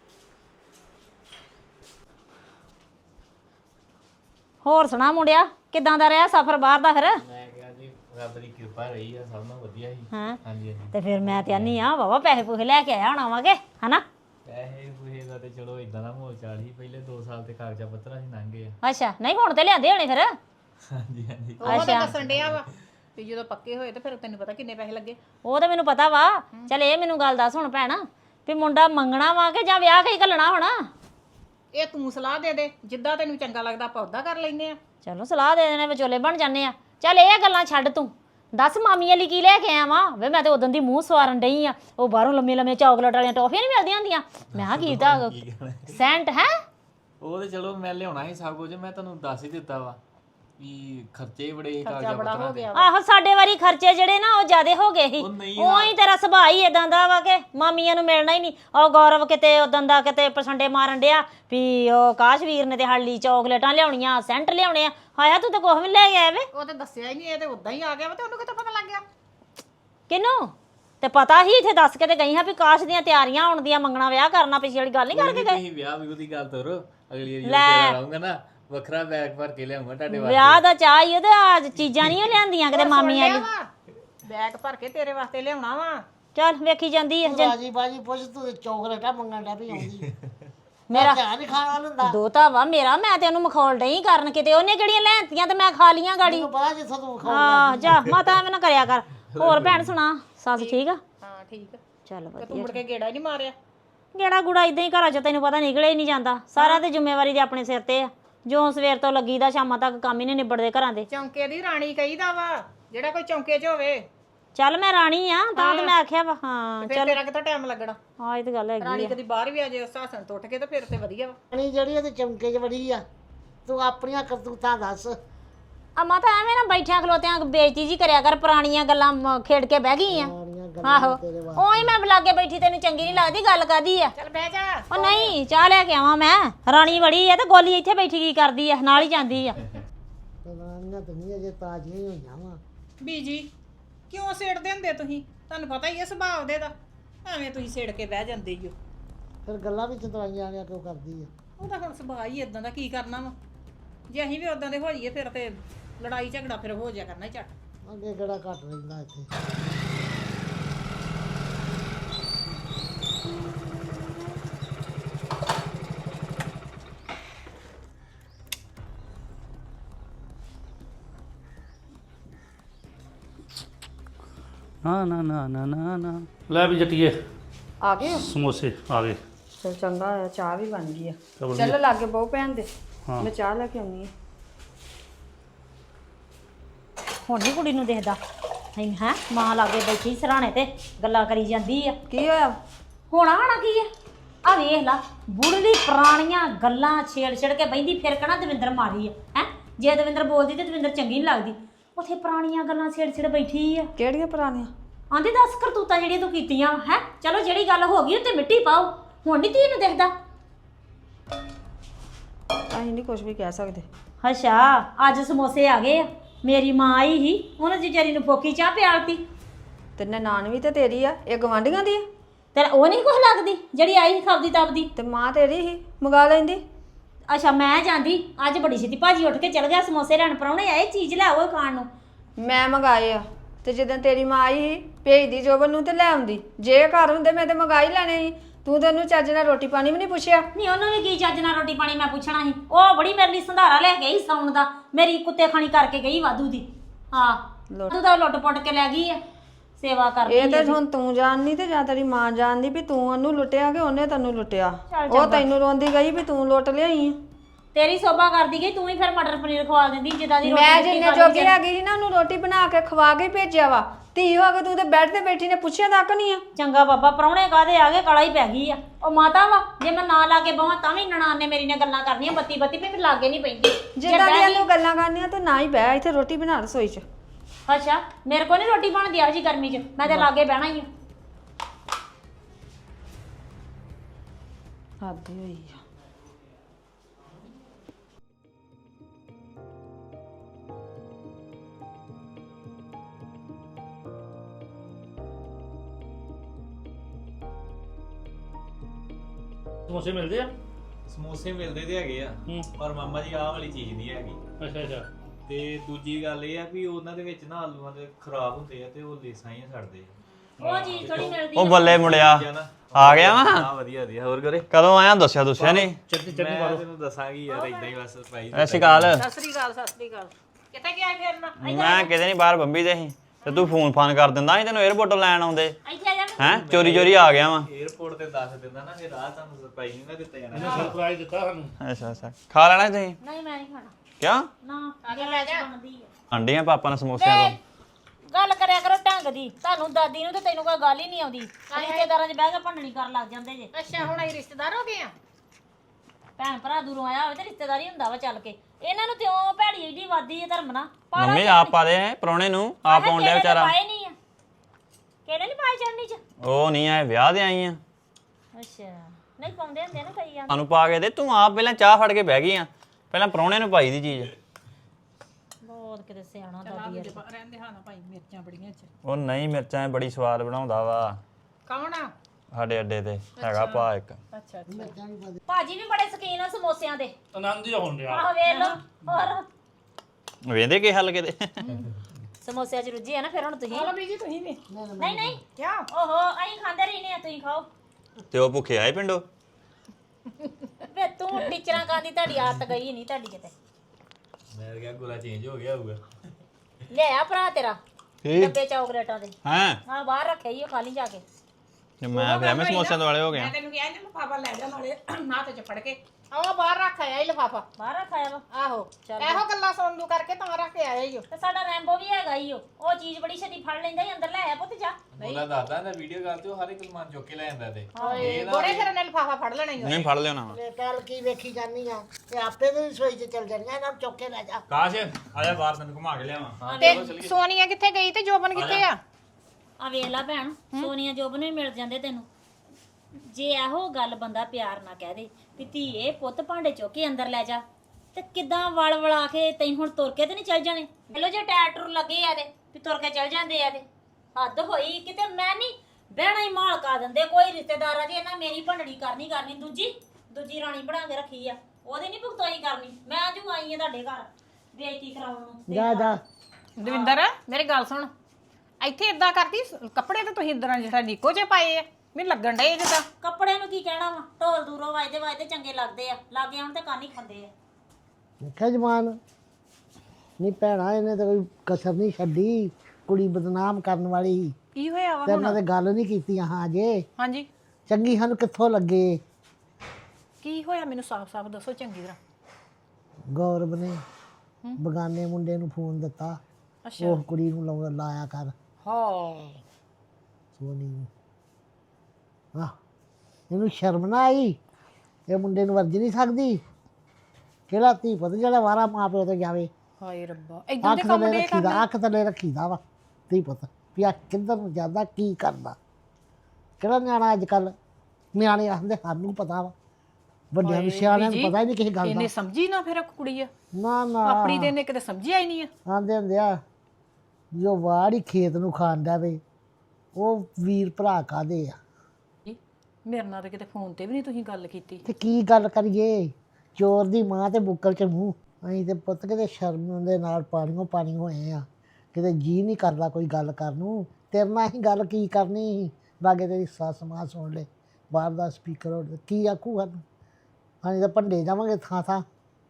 S3: ਹੋਰ ਸੁਣਾ ਮੁੰਡਿਆ, ਕਿਦਾਂ ਦਾ ਰਿਹਾ ਸਫ਼ਰ ਬਾਹਰ ਦਾ ਫਿਰ?
S1: ਮੈਂ ਕਿਹਾ ਜੀ ਰੱਬ ਦੀ ਕਿਰਪਾ ਰਹੀ ਆ, ਸਭ ਨਾਲ ਵਧੀਆ ਸੀ।
S3: ਹਾਂ
S1: ਹਾਂਜੀ ਹਾਂਜੀ।
S3: ਤੇ ਫਿਰ ਮੈਂ ਤੇ ਆਨੀ ਆ ਵਾਵਾ ਪੈਸੇ ਪੂਸੇ ਲੈ ਕੇ ਆਇਆ ਹੋਣਾ ਵਾਗੇ ਹਨਾ?
S1: ਪੈਸੇ ਪੂਸੇ ਦਾ ਤੇ ਚਲੋ ਇਦਾਂ ਦਾ ਮਾਹੌਲ ਚਾਲ ਸੀ। ਪਹਿਲੇ 2 ਸਾਲ ਤੇ ਕਾਗਜ਼ਾਂ ਪੱਤਰਾਂ ਸੀ ਲੰਘੇ ਆ।
S3: ਅੱਛਾ, ਨਹੀਂ ਹੁਣ ਤੇ ਲਿਆਂਦੇ ਹੋਣੇ ਫਿਰ।
S1: ਹਾਂਜੀ ਹਾਂਜੀ।
S2: ਉਹ ਤਾਂ ਦੱਸਣ ਡਿਆ ਵਾ ਵੀ ਜਦੋਂ ਪੱਕੇ ਹੋਏ ਤੇ ਫਿਰ ਤੈਨੂੰ ਪਤਾ ਕਿੰਨੇ ਪੈਸੇ ਲੱਗੇ।
S3: ਉਹ ਤਾਂ ਮੈਨੂੰ ਪਤਾ ਵਾ। ਚੱਲ ਇਹ ਮੈਨੂੰ ਗੱਲ ਦੱਸ ਹੁਣ ਭੈਣ, ਵੀ ਮੁੰਡਾ ਮੰਗਣਾ ਵਾ ਕਿ ਜਾਂ ਵਿਆਹ ਕੇ ਘੱਲਣਾ ਹੋਣਾ?
S2: ਇਹ ਤੂੰ ਸਲਾਹ ਦੇ ਦੇ, ਜਿੱਦਾਂ ਤੈਨੂੰ ਚੰਗਾ ਲੱਗਦਾ ਆਪਾਂ ਉਦਾਂ ਕਰ ਲੈਨੇ ਆ।
S3: ਚਲੋ ਸਲਾਹ ਦੇ ਦੇਣੇ, ਵਿਚੋਲੇ ਬਣ ਜਾਂਦੇ ਆ। ਚੱਲ ਇਹ ਗੱਲਾਂ ਛੱਡ, ਤੂੰ ਦੱਸ ਮਾਮੀ ਵਾਲੀ ਕੀ ਲੈ ਕੇ ਆਇਆ ਵਾ? ਵੇ ਮੈਂ ਤੇ ਉਦੋਂ ਦੀ ਮੂੰਹ ਸਵਾਰਨ ਡਈ ਆ। ਉਹ ਬਾਹਰੋਂ ਲੰਮੇ ਲੰਮੇ ਚਾਕਲੇਟ ਵਾਲੀਆਂ ਟੌਫੀਆਂ ਨਹੀਂ ਮਿਲਦੀਆਂ ਹੁੰਦੀਆਂ? ਮੈਂ ਕਿਹਾ ਕੀ ਤਾਂ ਸੈਂਟ ਹੈ।
S1: ਉਹ ਤੇ ਚਲੋ ਮੈਂ ਲਿਆਉਣਾ ਸੀ ਸਭ ਕੁਝ, ਮੈਂ ਤੁਹਾਨੂੰ ਦੱਸ ਹੀ ਦਿੱਤਾ ਵਾ ਵੀ ਖਰਚੇ ਹੀ ਬੜੇ ਸੀ
S2: ਖਰਚਾ
S1: ਕਾਗਜ਼ਾਂ
S2: ਬੜਾ
S1: ਪੱਤਰਾਂ
S2: ਹੋ
S1: ਦੇ।
S2: ਗਿਆ।
S3: ਆਹੋ, ਸਾਡੇ ਵਾਰੀ ਖਰਚੇ ਜਿਹੜੇ ਨਾ ਉਹ ਜ਼ਿਆਦੇ ਹੋ ਗਏ ਸੀ।
S1: ਉਹ ਨਹੀਂ
S3: ਉਹੀ ਤੇਰਾ ਸੁਭਾਅ ਹੀ ਇਦਾਂ ਦਾ ਵਾ ਕਿ ਮਾਮੀਆਂ ਨੂੰ ਮਿਲਣਾ ਹੀ ਨਹੀਂ। ਉਹ ਗੌਰਵ ਕਿਤੇ ਉਦੋਂ ਦਾ ਕਿਤੇ ਪਸੰਡੇ ਮਾਰਨ ਡਿਆ ਵੀ ਉਹ ਕਾਸ਼ਵੀਰ ਨੇ ਤੇ ਹਾਲੀ ਚਾਕਲੇਟਾਂ ਲਿਆਉਣੀਆਂ, ਸੈਂਟ ਲਿਆਉਣੇ ਆ। ਹਾਇਆ ਤੂੰ ਤਾਂ ਕੁਛ ਵੀ ਲੈ ਗਿਆ ਵੇ।
S2: ਉਹ ਤੇ ਦੱਸਿਆ ਹੀ ਨਹੀਂ, ਇਹ ਤੇ ਉਦਾਂ ਹੀ ਆ ਗਿਆ ਵਾ ਤੇ ਉਹਨੂੰ ਕਿੱਥੋਂ ਪਤਾ ਲੱਗ ਗਿਆ?
S3: ਕਿਹਨੂੰ? ਤੇ ਪਤਾ ਹੀ ਇੱਥੇ ਦੱਸ ਕੇ ਤੇ ਗਈ ਹਾਂ ਵੀ ਕਾਸ਼ ਦੀਆਂ ਤਿਆਰੀਆਂ ਹੋਣ ਦੀਆਂ, ਮੰਗਣਾ ਵਿਆਹ ਕਰਨਾ, ਪਿੱਛੇ ਵਾਲੀ ਗੱਲ ਨਹੀਂ ਕਰਕੇ ਗਏ।
S1: ਤੁਸੀਂ ਵਿਆਹ ਵੀ ਦੀ ਗੱਲ ਤੋਰੋ, ਅਗਲੀ ਵਾਰੀ ਜਦੋਂ ਤੇਰਾ ਰਹੂੰਗਾ ਨਾ ਵੱਖਰਾ ਬੈਗ ਭਰ ਕੇ ਲਿਆਉਂਗਾ ਤੁਹਾਡੇ ਵਾਸਤੇ।
S3: ਵਿਆਹ ਦਾ ਚਾਹ ਹੀ ਉਹਦੇ ਆ ਚੀਜ਼ਾਂ ਨਹੀਂ ਉਹ ਲਿਆਂਦੀਆਂ ਕਿਤੇ ਮਾਮੀਆਂ ਦੀ।
S2: ਬੈਗ ਭਰ ਕੇ ਤੇਰੇ ਵਾਸਤੇ ਲਿਆਉਣਾ ਵਾ।
S3: ਚੱਲ ਵੇਖੀ ਜਾਂਦੀ ਹੈ।
S5: ਬਾਜੀ ਬਾਜੀ ਪੁੱਛ ਤੂੰ ਚੋਕਲੇਟਾਂ ਮੰਗਣ ਡਿਆ ਵੀ ਆਉਂਦੀ।
S3: ਮੇਰਾ
S5: ਧਿਆਨ ਨਹੀਂ ਖਾਣ ਵਾਲਾ ਹੁੰਦਾ।
S3: ਦੋਤਾ ਵਾ ਮੇਰਾ, ਮੈਂ ਤੇ ਉਹਨੂੰ ਮਖੌਲ ਡਈ ਕਰਨ, ਕਿਤੇ ਉਹਨੇ ਕਿਹੜੀਆਂ ਲੈਂਤੀਆਂ ਤੇ ਮੈਂ ਖਾ ਲੀਆਂ ਗਾੜੀ।
S5: ਤੈਨੂੰ ਪਤਾ ਜਿੱਥੋਂ ਤੂੰ ਖਾਉ।
S3: ਹਾਂ ਜਾ ਮਾਤਾ ਐਵੇਂ ਨਾ ਕਰਿਆ ਕਰ। ਹੋਰ ਭੈਣ ਸੁਣਾ, ਸੱਸ ਠੀਕ ਆ?
S2: ਹਾਂ ਠੀਕ ਆ।
S3: ਚੱਲ
S2: ਤੇ ਤੂੰ
S3: ਵਧੀਆ।
S2: ਮੁੜ ਕੇ ਗੇੜਾ ਹੀ ਨਹੀਂ ਮਾਰਿਆ।
S3: ਗੇੜਾ ਗੁੜਾ ਇਦਾਂ ਹੀ ਘਰਾਂ ਚ ਤੈਨੂੰ ਪਤਾ ਨਿਕਲੇ ਹੀ ਨਹੀਂ ਜਾਂਦਾ। ਸਾਰਾ ਤੇ ਜ਼ਿੰਮੇਵਾਰੀ ਦੇ ਆਪਣੇ ਸਿਰ ਤੇ ਆ। ਜੋ ਸਵੇਰ ਤੋਂ ਲੱਗੀ ਦਾ ਸ਼ਾਮਾਂ ਤੱਕ ਕੰਮ ਹੀ ਨਹੀਂ ਨਿਬੜਦੇ ਘਰਾਂ ਦੇ।
S2: ਚੌਂਕੇ ਦੀ ਰਾਣੀ ਕਹੀਦਾ ਵਾ, ਜਿਹੜਾ ਕੋਈ ਚੌਂਕੇ 'ਚ ਹੋਵੇ।
S3: ਚੱਲ ਮੈਂ ਰਾਣੀ ਆ ਤਾਂ ਤੇ ਮੈਂ ਆਖਿਆ ਵਾ। ਹਾਂ
S2: ਫਿਰ ਤੇਰਾ ਕਿੱਥੇ ਟਾਈਮ ਲੱਗਣਾ?
S3: ਹਾਂ ਇਹ ਤਾਂ ਗੱਲ ਹੈਗੀ
S2: ਰਾਣੀ
S3: ਆ।
S2: ਕਦੀ ਬਾਹਰ ਵੀ ਆ ਜੇ ਸਾਸਨ ਟੁੱਟ ਕੇ ਤੇ ਫਿਰ ਤੇ ਵਧੀਆ ਵਾ।
S5: ਰਾਣੀ ਜਿਹੜੀ ਉਹਦੇ ਚਮਕੇ 'ਚ ਵੜੀ ਆ, ਤੂੰ ਆਪਣੀਆਂ ਕਰਤੂਤਾਂ ਦੱਸ।
S3: ਅਮਾ ਤਾਂ ਐਵੇਂ ਨਾ ਬੈਠਿਆਂ ਖਲੋਤਿਆਂ ਬੇਇੱਜ਼ਤੀ ਜੀ ਕਰਿਆ ਕਰ, ਪੁਰਾਣੀਆਂ ਗੱਲਾਂ ਖੇਡ ਕੇ ਬਹਿ ਗਈ ਆ। ਆਹੋ ਉਹੀ ਮੈਂ ਬੁਲਾ ਬੈਠੀ, ਤੈਨੂੰ ਚੰਗੀ ਨਹੀਂ ਲੱਗਦੀ ਗੱਲ ਕਾਦੀ ਆ?
S2: ਚੱਲ ਬਹਿ ਜਾ।
S3: ਉਹ ਨਹੀਂ ਚਾਹ ਲੈ ਕੇ ਆਵਾਂ ਮੈਂ। ਰਾਣੀ ਬੜੀ ਆ ਤੇ ਗੋਲੀ ਇੱਥੇ ਬੈਠੀ ਕੀ ਕਰਦੀ ਆ, ਨਾਲ ਹੀ ਜਾਂਦੀ ਆ।
S5: ਰਾਣੀਆਂ ਤਾਂ ਨਹੀਂ ਅਜੇ ਤਾਜ਼ੀਆਂ ਹੀ ਹੋਈਆਂ ਵਾ।
S2: ਬੀਜੀ ਕਿਉਂ ਸੇੜਦੇ ਹੁੰਦੇ ਤੁਸੀਂ? ਤੁਹਾਨੂੰ ਪਤਾ ਹੀ ਹੈ ਸੁਭਾਅ ਉਹਦੇ ਦਾ, ਐਵੇਂ ਤੁਸੀਂ ਸੇੜ ਕੇ ਬਹਿ ਜਾਂਦੇ ਹੀ ਹੋ।
S5: ਫਿਰ ਗੱਲਾਂ ਵਿੱਚ ਦਵਾਈਆਂ ਆਣੀਆਂ ਕਿਉਂ ਕਰਦੀ ਆ?
S2: ਉਹਦਾ ਹੁਣ ਸੁਭਾਅ ਹੀ ਇਦਾਂ ਦਾ, ਕੀ ਕਰਨਾ ਵਾ? ਜੇ ਅਸੀਂ ਵੀ ਉਦਾਂ ਦੇ ਹੋ ਜਾਈਏ ਫਿਰ ਤੇ ਲੜਾਈ ਝਗੜਾ ਫਿਰ ਹੋ ਜਾ ਕਰਨਾ ਝੱਟ।
S5: ਅੱਗੇ ਕਿਹੜਾ ਘੱਟ ਰਹਿੰਦਾ ਇੱਥੇ।
S4: ਨਾ ਨਾ ਨਾ ਨਾ ਨਾ ਨਾ ਲੈ ਵੀ ਜੱਟੀਏ
S6: ਆ ਗਏ
S4: ਸਮੋਸੇ ਆ ਗਏ।
S6: ਚਲ ਚੰਗਾ ਹੋਇਆ, ਚਾਹ ਵੀ ਬਣ ਗਈ ਆ।
S4: ਚਲੋ
S6: ਚੱਲ ਲਾਗੇ ਬਹੁ ਭੈਣ ਦੇ,
S4: ਹਾਂ।
S6: ਮੈਂ ਚਾਹ ਲੈ ਕੇ ਆਉਣੀ ਆ।
S3: ਹੁਣ ਨਹੀਂ ਕੁੜੀ ਨੂੰ ਦੇਖਦਾ ਹੈ ਮਾਂ ਲਾਗੇ ਬੈਠੀ ਸਰਾਣੇ ਤੇ ਗੱਲਾਂ ਕਰੀ ਜਾਂਦੀ ਆ।
S6: ਕੀ ਹੋਇਆ?
S3: ਹੋਣਾ ਕੀ ਆ? ਆ ਵੇਖ ਲਾ ਬੁੜਲੀ ਪੁਰਾਣੀਆਂ ਗੱਲਾਂ ਛੇੜ ਕੇ ਬਹਿੰਦੀ ਫਿਰ ਕਹਣਾ ਦਵਿੰਦਰ ਮਾਰੀ ਆ ਹੈ। ਜੇ ਦਵਿੰਦਰ ਬੋਲਦੀ ਤੇ ਦਵਿੰਦਰ ਚੰਗੀ ਨਹੀਂ ਲੱਗਦੀ। ਉਥੇ ਪੁਰਾਣੀਆਂ ਗੱਲਾਂ ਛੇੜ ਬੈਠੀ ਆ।
S6: ਕਿਹੜੀਆਂ ਪੁਰਾਣੀਆਂ?
S3: ਆਂਦੀ ਦੱਸ ਕਰਤੂਤਾਂ ਜਿਹੜੀਆਂ ਤੂੰ ਕੀਤੀਆਂ ਹੈ। ਚਲੋ ਜਿਹੜੀ ਗੱਲ ਹੋ ਗਈ ਉੱਤੇ ਮਿੱਟੀ ਪਾਓ। ਹੁਣ ਨਹੀਂ ਧੀ ਨੂੰ ਦੇਖਦਾ।
S6: ਅਸੀਂ ਨਹੀਂ ਕੁਝ ਵੀ ਕਹਿ ਸਕਦੇ।
S3: ਅੱਛਾ ਅੱਜ ਸਮੋਸੇ ਆ ਗਏ ਆ। ਮੇਰੀ ਮਾਂ ਆਈ ਸੀ ਉਹਨੇ ਵਿਚਾਰੀ ਨੂੰ ਫੋਕੀ ਚਾਹ ਪਿਆਲਤੀ।
S6: ਤੇ ਨਨਾਣ ਵੀ ਤੇ ਤੇਰੀ ਆ, ਇਹ ਗਵਾਂਢੀਆਂ ਦੀ ਆ।
S3: ਤੇ ਉਹ ਨਹੀਂ ਕੁਛ ਲੱਗਦੀ ਜਿਹੜੀ ਆਈ ਸੀ ਖਾਬਦੀ ਤਬਦੀ।
S6: ਤੇ ਮਾਂ ਤੇਰੀ ਹੀ ਮੰਗਾ ਲੈਂਦੀ।
S3: ਅੱਛਾ ਮੈਂ ਜਾਂਦੀ ਅੱਜ ਬੜੀ ਛੇਤੀ ਭਾਜੀ ਉੱਠ ਕੇ ਚਲ ਗਿਆ ਸਮੋਸੇ ਲੈਣ। ਪਰਾਉਣੇ ਆਏ ਚੀਜ਼ ਲੈ ਆਓ ਖਾਣ ਨੂੰ।
S6: ਮੈਂ ਮੰਗਾਏ ਆ ਤੇ ਜਦੋਂ ਤੇਰੀ ਮਾਂ ਆਈ ਸੀ ਭੇਜਦੀ ਜੋਬਨ ਨੂੰ ਤੇ ਲੈ ਆਉਂਦੀ। ਜੇ ਘਰ ਹੁੰਦੇ ਮੈਂ ਤੇ ਮੰਗਾ ਹੀ ਲੈਣੇ ਸੀ। ਤੂੰ ਤੈਨੂੰ ਚੱਜ ਨਾਲ ਰੋਟੀ ਪਾਣੀ ਵੀ ਨਹੀਂ ਪੁੱਛਿਆ।
S3: ਨਹੀਂ ਉਹਨੂੰ ਵੀ ਕੀ ਚੱਜ ਨਾਲ ਰੋਟੀ ਪਾਣੀ ਮੈਂ ਪੁੱਛਣਾ ਸੀ। ਉਹ ਬੜੀ ਮੇਰੇ ਲਈ ਸੰਧਾਰਾ ਲੈ ਗਈ ਸੌਣ ਦਾ। ਮੇਰੀ ਕੁੱਤੇ ਖਾਣੀ ਕਰਕੇ ਗਈ ਵਾਧੂ ਦੀ। ਹਾਂ ਵਾਧੂ ਦਾ ਲੁੱਟ ਪੁੱਟ ਕੇ ਲੈ ਗਈ ਆ। ਸੇਵਾ ਕਰਦੀ
S6: ਇਹ ਤੇ ਹੁਣ ਤੂੰ ਜਾਣਨੀ ਤੇ ਜਾਂ ਤੇਰੀ ਮਾਂ ਜਾਣਦੀ ਵੀ ਤੂੰ ਉਹਨੂੰ ਲੁੱਟਿਆ ਕਿ ਉਹਨੇ ਤੈਨੂੰ ਲੁੱਟਿਆ।
S3: ਚੱਲ
S6: ਉਹ ਤੈਨੂੰ ਰੋਂਦੀ ਗਈ ਵੀ ਤੂੰ ਲੁੱਟ ਲਿਆਈ ਆ।
S3: ਤੇਰੀ ਸੋਭਾ ਕਰਦੀ ਗਈ ਤੂੰ ਹੀ ਫਿਰ ਮਟਰ ਪਨੀਰ ਖਵਾ ਦਿੰਦੀ ਜਿੱਦਾਂ ਦੀ
S6: ਮੈਂ
S3: ਰੋਟੀ
S6: ਜਿੰਨੇ ਜੋਗੀ ਹੈਗੀ ਸੀ ਨਾ ਉਹਨੂੰ ਰੋਟੀ ਬਣਾ ਕੇ ਖਵਾ ਕੇ ਭੇਜਿਆ ਵਾ। ਧੀ ਹੋ ਕੇ ਤੂੰ ਤੇ ਬੈੱਡ ਤੇ ਬੈਠੀ ਨੇ ਪੁੱਛਿਆ ਤੱਕ ਨਹੀਂ ਆ।
S3: ਚੰਗਾ ਬਾਬਾ ਪਰੌਣੇ ਕਾਦੇ ਆ ਗਏ ਕਲਾ ਹੀ ਪੈ ਗਈ ਆ। ਉਹ ਮਾਤਾ ਵਾ ਜੇ ਮੈਂ ਨਾ ਲਾਗੇ ਬਵਾਂ ਤਾਂ ਵੀ ਨਨਾਣ ਨੇ ਮੇਰੀ ਨਾਲ ਗੱਲਾਂ ਕਰਨੀਆਂ ਬੱਤੀ ਵੀ ਮੈਂ ਲਾਗੇ ਨਹੀਂ ਪੈਂਦੀ।
S6: ਜਿੱਦਾਂ ਦੀਆਂ ਤੂੰ ਗੱਲਾਂ ਕਰਨੀਆਂ ਤੇ ਨਾ ਹੀ ਬਹਿ ਇੱਥੇ ਰੋਟੀ ਬਣਾ ਰਸੋਈ 'ਚ।
S3: ਅੱਛਾ ਮੇਰੇ ਕੋਲ ਨਹੀਂ ਰੋਟੀ ਬਣਦੀ ਆ ਜੀ ਗਰਮੀ 'ਚ। ਮੈਂ ਤੇ ਲਾਗੇ ਬਹਿਣਾ ਹੀ ਆ।
S6: ਹੱਦ ਹੋਈ ਆ।
S4: ਸਮੋਸੇ ਮਿਲਦੇ ਆ?
S1: ਸਮੋਸੇ ਮਿਲਦੇ ਤੇ ਹੈਗੇ ਆ ਪਰ ਮਾਮਾ ਜੀ ਆਹ ਵਾਲੀ ਚੀਜ਼ ਨਹੀਂ ਹੈਗੀ।
S4: ਅੱਛਾ ਅੱਛਾ।
S1: ਤੇ ਦੂਜੀ ਗੱਲ ਇਹ ਆ ਵੀ ਉਹਨਾਂ ਦੇ ਵਿੱਚ ਨਾ ਆਲੂਆਂ ਦੇ ਖਰਾਬ ਹੁੰਦੇ ਆ ਤੇ ਉਹ ਲੇਸਾਂ ਹੀ ਛੱਡਦੇ ਆ।
S3: ਉਹ ਚੀਜ਼ ਥੋੜੀ ਮਿਲਦੀ
S7: ਉਹ ਬੱਲੇ ਮੁੰਡਿਆ ਆ ਗਿਆ ਵਾ।
S1: ਆ ਵਧੀਆ ਵਧੀਆ ਹੋਰ ਕਰੇ
S7: ਕਦੋਂ ਆਇਆ ਦੱਸਿਆ ਨਹੀਂ।
S1: ਮੈਂ ਤੈਨੂੰ ਦੱਸਾਂਗੀ ਯਾਰ ਇਦਾਂ ਹੀ ਬਸ ਸਰਪ੍ਰਾਈਜ਼।
S7: ਐਸੀ ਗੱਲ
S2: ਸਤਿ ਸ੍ਰੀ ਅਕਾਲ ਕਿੱਥੇ ਗਿਆ ਫੇਰਨਾ?
S7: ਮੈਂ ਕਿਤੇ ਨਹੀਂ ਬਾਹਰ ਬੰਬੀ ਦੇ ਸੀ ਤੇ ਤੂੰ ਫੋਨ ਕਰ ਦਿੰਦਾ ਸੀ ਤੈਨੂੰ 에어ਪੋਰਟ ਲੈਣ ਆਉਂਦੇ।
S3: ਇੱਥੇ ਆ ਜਾ
S7: ਹੈ ਚੋਰੀ ਆ ਗਿਆ ਵਾ।
S1: 에어ਪੋਰਟ ਤੇ ਦੱਸ ਦਿੰਦਾ ਨਾ ਫਿਰ ਆ ਤੁਹਾਨੂੰ ਸਰਪ੍ਰਾਈਜ਼ ਨਹੀਂ ਨਾ ਦਿੱਤਾ ਜਾਣਾ।
S4: ਸਰਪ੍ਰਾਈਜ਼ ਦਿੱਤਾ ਸਾਨੂੰ।
S7: ਅੱਛਾ ਅੱਛਾ ਖਾ ਲੈਣਾ ਸੀ ਤੁਸੀਂ?
S3: ਨਹੀਂ ਮੈਂ ਨਹੀਂ ਖਾਣਾ।
S7: ਕਿਉਂ?
S3: ਨਾ ਅੱਗੇ ਲੈ ਜਾ ਬਣਦੀ ਆ।
S7: ਅੰਡੀਆਂ ਪਾਪਾ ਨੇ ਸਮੋਸਿਆਂ ਤੋਂ।
S3: ਗੱਲ ਕਰਿਆ ਕਰੋ ਢੰਗ ਦੀ। ਤੁਹਾਨੂੰ ਦਾਦੀ ਨੂੰ ਤੇ ਤੈਨੂੰ ਕੋਈ ਗੱਲ ਹੀ ਨਹੀਂ ਆਉਂਦੀ। ਰਿਸ਼ਤੇਦਾਰਾਂ 'ਚ ਬਹਿ ਕੇ ਭੰਡਣੀ ਕਰਨ ਲੱਗ ਜਾਂਦੇ ਜੇ।
S2: ਅੱਛਾ ਹੁਣ ਅਸੀਂ ਰਿਸ਼ਤੇਦਾਰ ਹੋ ਗਏ ਆ।
S3: ਭੈਣ ਭਰਾ ਦੂਰੋਂ ਆਇਆ ਹੋਵੇ ਤੇ ਰਿਸ਼ਤੇਦਾਰੀ ਹੁੰਦਾ ਵਾ ਚੱਲ ਕੇ। ਇਹਨਾਂ ਨੂੰ ਤੇ ਉਹ ਭੈੜੀ ਏਡੀ ਵਾਦੀ ਹੈ ਧਰਮ ਨਾ।
S7: ਮੰਮੀ ਆਪ ਪਾ ਦੇ ਪ੍ਰਾਹੁਣੇ ਨੂੰ ਆਪ ਆਉਣ ਡਿਆ ਵਿਚਾਰਾ।
S3: ਪਾਏ ਨਹੀਂ ਆ ਕਿਹਨੇ ਨਹੀਂ ਪਾਏ ਚੜਨੀ 'ਚ।
S7: ਉਹ ਨਹੀਂ ਆਏ ਵਿਆਹ ਦੇ ਆਈ ਆ।
S3: ਅੱਛਾ ਨਹੀਂ ਪਾਉਂਦੇ ਹੁੰਦੇ ਨਾ ਕਈ ਆ।
S7: ਸਾਨੂੰ ਪਾ ਕੇ ਦੇ। ਤੂੰ ਆਪ ਪਹਿਲਾਂ ਚਾਹ ਫੜ ਕੇ ਬਹਿ ਗਈ ਆ। ਪਹਿਲਾਂ ਪ੍ਰਾਹੁਣੇ ਨੂੰ ਪਾਈ ਦੀ ਚੀਜ਼।
S3: ਬਹੁਤ ਕਿਤੇ ਸਿਆਣਾ ਦਾਦੀ ਆ।
S2: ਰਹਿੰਦੇ ਹਾਂ ਨਾ ਭਾਈ ਮਿਰਚਾਂ ਬੜੀਆਂ ਚ।
S7: ਉਹ ਨਹੀਂ ਮਿਰਚਾਂ ਬੜੀ ਸਵਾਦ ਬਣਾਉਂਦਾ ਵਾ।
S2: ਕੌਣ ਆ?
S7: ਸਾਡੇ ਅੱਡੇ ਤੇ ਹੈਗਾ ਭਾ ਇੱਕ।
S2: ਅੱਛਾ
S3: ਭਾਜੀ ਵੀ ਬੜੇ ਸ਼ਕੀਨ ਆ ਸਮੋਸਿਆਂ ਦੇ।
S4: ਆਨੰਦ ਹੀ ਆਉਣ ਡਿਆ।
S3: ਆਹ ਵੇਖ ਲਓ ਹੋਰ
S7: ਵੇਂਦੇ ਕੀ ਹੱਲ ਕਿਤੇ।
S3: ਸਮੋਸਿਆਂ 'ਚ ਰੁੱਝੀ ਆ ਨਾ ਫਿਰ ਹੁਣ ਤੁਸੀਂ।
S2: ਚਲੋ ਬੀਜੀ ਤੁਸੀਂ ਵੀ
S3: ਨਹੀਂ ਨਹੀਂ
S2: ਕਿਆ?
S3: ਓਹੋ ਅਸੀਂ ਖਾਂਦੇ ਰਹਿੰਦੇ ਆ ਤੁਸੀਂ ਖਾਓ।
S7: ਤੇ ਉਹ ਭੁੱਖੇ ਆਏ ਪਿੰਡੋਂ।
S3: ਵੇ ਤੂੰ ਟੀਚਰਾਂ ਕਾਂਦੀ ਤੁਹਾਡੀ ਆਦਤ ਗਈ ਨਹੀਂ ਤੁਹਾਡੀ ਕਿਤੇ।
S1: ਮੈਂ ਕਿਹਾ ਗੋਲਾ ਚੇਂਜ ਹੋ ਗਿਆ ਹੋਊਗਾ।
S3: ਲਿਆ ਭਰਾ ਤੇਰਾ ਡੱਬੇ ਚੌਕਲੇਟਾਂ ਦੇ।
S7: ਹਾਂ
S3: ਹਾਂ ਬਾਹਰ ਰੱਖਿਆ ਹੀ ਉਹ ਖਾ ਲਈ ਜਾ ਕੇ।
S7: ਤੇ ਮੈਂ ਫਿਰ ਮੈਂ ਸਮੋਸਿਆਂ ਦੇ ਵਾਲੇ ਹੋ ਗਿਆ।
S2: ਮੈਂ ਤੈਨੂੰ ਕਿਹਾ ਜੇ ਲਿਫਾਫਾ ਲੈ ਜਾ ਨਾਲੇ ਹੱਥ 'ਚ ਫੜ ਕੇ। ਆਹ ਬਾਹਰ ਰੱਖ ਆਇਆ ਇਹ ਲਿਫਾਫਾ।
S3: ਬਾਹਰ ਰੱਖਾਇਆ ਵਾ।
S2: ਆਹੋ ਇਹੋ ਗੱਲਾਂ ਸੁਣ ਲੂ ਕਰਕੇ ਤਾਂ ਰੱਖ ਕੇ ਆਇਆ ਹੀ
S3: ਤੇ ਸਾਡਾ ਰੈਂਬੋ ਵੀ ਹੈਗਾ ਹੀ ਉਹ ਚੀਜ਼ ਬੜੀ ਛੇਤੀ ਫੜ ਲੈਂਦਾ ਹੀ ਅੰਦਰ ਲੈ ਆ ਪੁੱਤ ਜਾ।
S1: ਉਹਦਾ ਦਾਦਾ ਦਾ ਵੀਡੀਓ ਕਾਲ ਤੇ ਉਹ ਹਰ ਇੱਕ ਸਮਾਨ ਚੁੱਕ ਕੇ ਲੈ ਜਾਂਦਾ ਤੇ
S2: ਗੋਰੇ ਫਿਰ ਨੇ ਲਿਫਾਫਾ ਫੜ ਲੈਣਾ ਹੀ।
S7: ਨਹੀਂ ਫੜ ਲਿਆਉਣਾ ਵਾ।
S5: ਤੇ ਕੱਲ ਕੀ ਵੇਖੀ ਜਾਨੀ ਆ ਤੇ ਆਪੇ ਵੀ ਰਸੋਈ 'ਚ ਚੱਲ ਜਾਣੀਆਂ ਇਹਨਾਂ ਨੂੰ ਚੁੱਕ ਕੇ ਲੈ ਜਾ।
S7: ਕਾਸ਼ ਆ ਜਾ ਬਾਹਰ ਤੈਨੂੰ ਘੁਮਾ ਕੇ ਲਿਆਵਾਂ।
S2: ਤੇ ਸੋਨੀਆ ਕਿੱਥੇ ਗਈ ਤੇ ਜੋਬਨ ਕਿੱਥੇ ਆ?
S3: ਆ ਵੇਖ ਲੈ ਭੈਣ ਸੋਨੀਆ ਜੋਬ ਨੂੰ ਵੀ ਮਿਲ ਜਾਂਦੇ ਤੈਨੂੰ। ਜੇ ਇਹੋ ਗੱਲ ਬੰਦਾ ਪਿਆਰ ਨਾ ਕਹਿ ਦੇ ਵੀ ਧੀਏ ਪੁੱਤ ਭਾਂਡੇ ਚੁੱਕ ਕੇ ਅੰਦਰ ਲੈ ਜਾ ਤੇ ਕਿੱਦਾਂ ਵਲ ਵਲਾ ਕੇ ਤੈਨੂੰ ਹੁਣ ਤੁਰ ਕੇ ਤੇ ਨਹੀਂ ਚੱਲ ਜਾਣੇ। ਲੋ ਜੇ ਟੈਟਰ ਲੱਗੇ ਆ ਤੇ ਵੀ ਤੁਰ ਕੇ ਚੱਲ ਜਾਂਦੇ ਆ ਤੇ ਹੱਦ ਹੋਈ ਕਿਤੇ। ਮੈਂ ਨਹੀਂ ਬਹਿਣਾ ਹੀ ਮਾਲ ਕਾ ਦਿੰਦੇ ਕੋਈ ਰਿਸ਼ਤੇਦਾਰਾਂ ਜੀ ਇਹਨਾਂ ਮੇਰੀ ਭੰਡਣੀ ਕਰਨੀ। ਦੂਜੀ ਰਾਣੀ ਬਣਾ ਕੇ ਰੱਖੀ ਆ ਉਹਦੀ ਨਹੀਂ ਭੁਗਤਾਈ ਕਰਨੀ। ਮੈਂ ਜੂ ਆਈ ਆ ਤੁਹਾਡੇ ਘਰ ਬੇਇੱਜ਼ਤੀ ਕਰਾਉਣ ਨੂੰ।
S5: ਜਾ ਜਾ
S2: ਦਵਿੰਦਰ ਮੇਰੀ ਗੱਲ ਸੁਣ ਇੱਥੇ ਇਦਾਂ ਕਰਦੀ ਕੱਪੜੇ ਤੇ ਤੁਸੀਂ ਇਦਾਂ ਜਿਹੜਾ ਨਿੱਕੋ ਜਿਹੇ ਪਾਏ ਆ ਮੈਨੂੰ ਲੱਗਣ ਡੇ ਜਿੱਦਾਂ।
S3: ਕੱਪੜੇ ਨੂੰ ਕੀ ਕਹਿਣਾ ਵਾ ਢੋਲ ਦੂਰੋਂ ਵੱਜਦੇ ਚੰਗੇ ਲੱਗਦੇ ਆ ਲਾਗੇ ਹੁਣ ਤੇ ਕੰਨ ਹੀ ਖਾਂਦੇ ਆ।
S5: ਦੇਖਿਆ ਜਮਾਨ ਨਹੀਂ ਭੈਣਾ ਇਹਨੇ ਤਾਂ ਕੋਈ ਕਸਰ ਨਹੀਂ ਛੱਡੀ। ਕੁੜੀ ਬਦਨਾਮ ਕਰਨ ਵਾਲੀ
S2: ਕੀ ਹੋਇਆ ਵਾ
S5: ਤੇਰੇ
S2: ਹੁਣ
S5: ਨਾਲ ਤੇ ਗੱਲ ਨਹੀਂ ਕੀਤੀ ਹਾਂ ਜੇ
S2: ਹਾਂਜੀ
S5: ਚੰਗੀ ਸਾਨੂੰ ਕਿੱਥੋਂ ਲੱਗੇ।
S2: ਕੀ ਹੋਇਆ ਮੈਨੂੰ ਸਾਫ਼-ਸਾਫ਼ ਦੱਸੋ ਚੰਗੀ ਤਰ੍ਹਾਂ।
S5: ਗੌਰਵ ਨੇ ਬਗਾਨੇ ਮੁੰਡੇ ਨੂੰ ਫੋਨ ਦਿੱਤਾ,
S2: ਅੱਛਾ
S5: ਉਹ ਕੁੜੀ ਨੂੰ ਲਾਇਆ ਕਰ
S2: ਹਾਂ
S5: ਸੋਨੀ ਨੂੰ। ਆਹ ਇਹਨੂੰ ਸ਼ਰਮ ਨਾ ਆਈ, ਇਹ ਮੁੰਡੇ ਨੂੰ ਵਰਜ ਨਹੀਂ ਸਕਦੀ। ਕਿਹੜਾ ਧੀ ਪੁੱਤ ਜਿਹੜਾ ਵਾਰਾ ਮਾਂ ਪਿਓ ਤੋਂ ਜਾਵੇ।
S2: ਹਾਏ ਰੱਬਾ ਇਦਾਂ ਦੇ
S5: ਅੱਖ
S2: ਕੰਮ
S5: ਥੱਲੇ
S2: ਦੇ
S5: ਰੱਖੀਦਾ,
S2: ਕਰਨੇ
S5: ਅੱਖ ਥੱਲੇ ਰੱਖੀਦਾ ਵਾ ਧੀ ਪੁੱਤ ਵੀ ਆ ਕਿੱਧਰ ਨੂੰ ਜਾਂਦਾ ਕੀ ਕਰਦਾ। ਕਿਹੜਾ ਨਿਆਣਾ ਅੱਜ ਕੱਲ ਨਿਆਣੇ ਆਖਦੇ ਸਾਨੂੰ ਪਤਾ ਵਾ, ਵੱਡਿਆਂ ਨੂੰ ਸਿਆਣਿਆਂ ਨੂੰ ਪਤਾ ਹੀ ਨਹੀਂ ਕਿਸੇ ਗੱਲ ਦਾ।
S2: ਇਹਨੇ ਸਮਝੀ ਨਾ ਫਿਰ ਕੁੜੀ ਆ
S5: ਨਾ ਨਾ
S2: ਆਪਣੀ ਤੇ ਇਹਨੇ ਕਿਤੇ ਸਮਝਿਆ ਹੀ ਨਹੀਂ ਆ।
S5: ਆਂਦੇ ਹੁੰਦੇ ਆ ਜੋ ਵਾੜ ਹੀ ਖੇਤ ਨੂੰ ਖਾਣ ਡਿਆਵੇ ਉਹ ਵੀਰ ਭਰਾ ਕਾਦੇ ਆ।
S2: ਮੇਰੇ ਨਾਲ ਤਾਂ ਕਿਤੇ ਫੋਨ ਤੇ ਵੀ ਨਹੀਂ ਤੁਸੀਂ ਗੱਲ ਕੀਤੀ।
S5: ਤੇ ਕੀ ਗੱਲ ਕਰੀਏ, ਚੋਰ ਦੀ ਮਾਂ ਤੇ ਬੁੱਕਲ ਚ ਮੂੰਹ। ਅਸੀਂ ਤੇ ਪੁੱਤ ਕਿਤੇ ਸ਼ਰਮ ਦੇ ਨਾਲ ਪਾਣੀਓ ਪਾਣੀ ਹੋਏ ਆ, ਕਿਤੇ ਜੀ ਨਹੀਂ ਕਰਦਾ ਕੋਈ ਗੱਲ ਕਰਨ ਨੂੰ। ਤੇਰੇ ਨਾਲ ਹੀ ਗੱਲ ਕੀ ਕਰਨੀ ਸੀ, ਲਾਗੇ ਤੇਰੀ ਸੱਸ ਮਾਂ ਸੁਣ ਲੈ, ਬਾਹਰ ਦਾ ਸਪੀਕਰ ਹੋ ਕੀ ਆਖੂ ਸਾਨੂੰ। ਅਸੀਂ ਤਾਂ ਭੰਡੇ ਜਾਵਾਂਗੇ ਥਾਂ ਥਾਂ।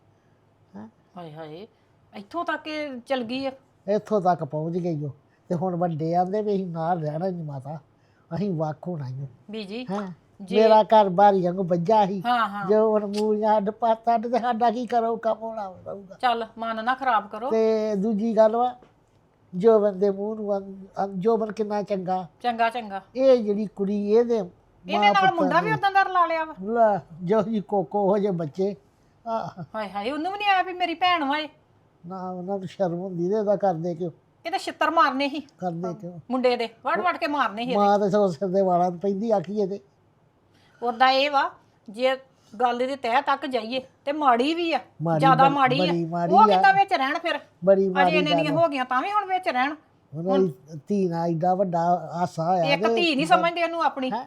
S2: ਹਾਏ ਹਾਏ ਇੱਥੋਂ ਤੱਕ ਇਹ ਚਲ ਗਈ ਆ।
S5: ਇੱਥੋਂ ਤੱਕ ਪਹੁੰਚ ਗਈ ਉਹ। ਤੇ ਹੁਣ ਵੱਡੇ ਆਂਦੇ ਵੀ ਅਸੀਂ ਨਾਲ ਰਹਿਣਾ ਨਹੀਂ ਮਾਤਾ, ਅਸੀਂ ਵੱਖ ਹੋਣਾ ਹੀ।
S2: ਬੀਜੀ
S5: ਹੈਂ ਮੇਰਾ ਘਰ ਬਾਰੀ ਵਾਂਗੂ ਵੱਜਾ ਸੀ,
S2: ਹਾਂ ਹਾਂ
S5: ਜੋ ਹੁਣ ਮੂਲੀਆਂ ਅੱਡ ਪਾਤਾ ਤੇ ਸਾਡਾ ਕੀ ਕਰੋ ਕੰਮ ਹੋਣਾ ਰਹੂਗਾ।
S2: ਚੱਲ ਮਨ ਨਾ ਖਰਾਬ ਕਰੋ।
S5: ਤੇ ਦੂਜੀ ਗੱਲ ਵਾ ਜੋਬਨ ਦੇ ਮੂੰਹ ਨੂੰ ਜੋਬਨ ਕਿੰਨਾ ਚੰਗਾ।
S2: ਚੰਗਾ ਚੰਗਾ
S5: ਇਹ ਜਿਹੜੀ ਕੁੜੀ ਇਹਦੇ
S2: ਇਹਨੇ ਨਾਲ ਮੁੰਡਾ ਵੀ ਉਦਾਂ ਦਾ ਰਲਾ ਲਿਆ ਵਾ।
S5: ਲੈ ਜੋ ਜੀ ਕੋਕੋ ਹੋ ਜੇ ਬੱਚੇ
S2: ਹਾਏ ਹਾਏ ਉਹਨੂੰ ਵੀ ਨਹੀਂ ਆਇਆ ਵੀ ਮੇਰੀ ਭੈਣ ਵਾ ਇਹ।
S5: ਨਾ ਉਹਨਾਂ ਨੂੰ ਸ਼ਰਮ ਹੁੰਦੀ ਤੇ ਇਹਦਾ ਕਰਦੇ ਕਿਉਂ,
S2: ਇਹ ਤਾਂ ਛਿੱਤਰ ਮਾਰਨੇ ਸੀ
S5: ਕਰਦੇ ਕਿਉਂ।
S2: ਮੁੰਡੇ ਦੇ ਵੜ ਵੜ ਕੇ ਮਾਰਨੇ ਸੀ।
S5: ਮਾਂ ਤੇ ਸੋ ਸਿਰ ਦੇ ਵਾਲਾਂ ਨੂੰ ਪੈਂਦੀ ਆਖੀਏ ਤੇ।
S2: ਉਦਾਂ ਇਹ ਵਾ ਜੇ ਗੱਲ ਦੇ ਤਹਿ ਤੱਕ ਜਾਈਏ ਤੇ ਮਾੜੀ ਵੀ ਆ,
S5: ਮਾੜੀ,
S2: ਜ਼ਿਆਦਾ ਮਾੜੀ
S5: ਬੜੀ
S2: ਆ।
S5: ਮਾੜੀ
S2: ਉਹ
S5: ਆ।
S2: ਕਿੱਦਾਂ ਵਿੱਚ ਰਹਿਣ ਫਿਰ,
S5: ਬੜੀ
S2: ਅਜੇ
S5: ਮਾੜੀ
S2: ਇੰਨੇ ਦੀਆਂ ਹੋ ਗਈਆਂ ਤਾਂ ਵੀ ਹੁਣ ਵਿੱਚ ਰਹਿਣ।
S5: ਉਹਨਾਂ ਦੀ ਧੀ ਨਾਲ ਏਡਾ ਵੱਡਾ ਆਸਾ ਹੋਇਆ
S2: ਇੱਕ ਧੀ ਨਹੀਂ ਸਮਝਦੇ ਉਹਨੂੰ ਆਪਣੀ।
S5: ਹੈਂ?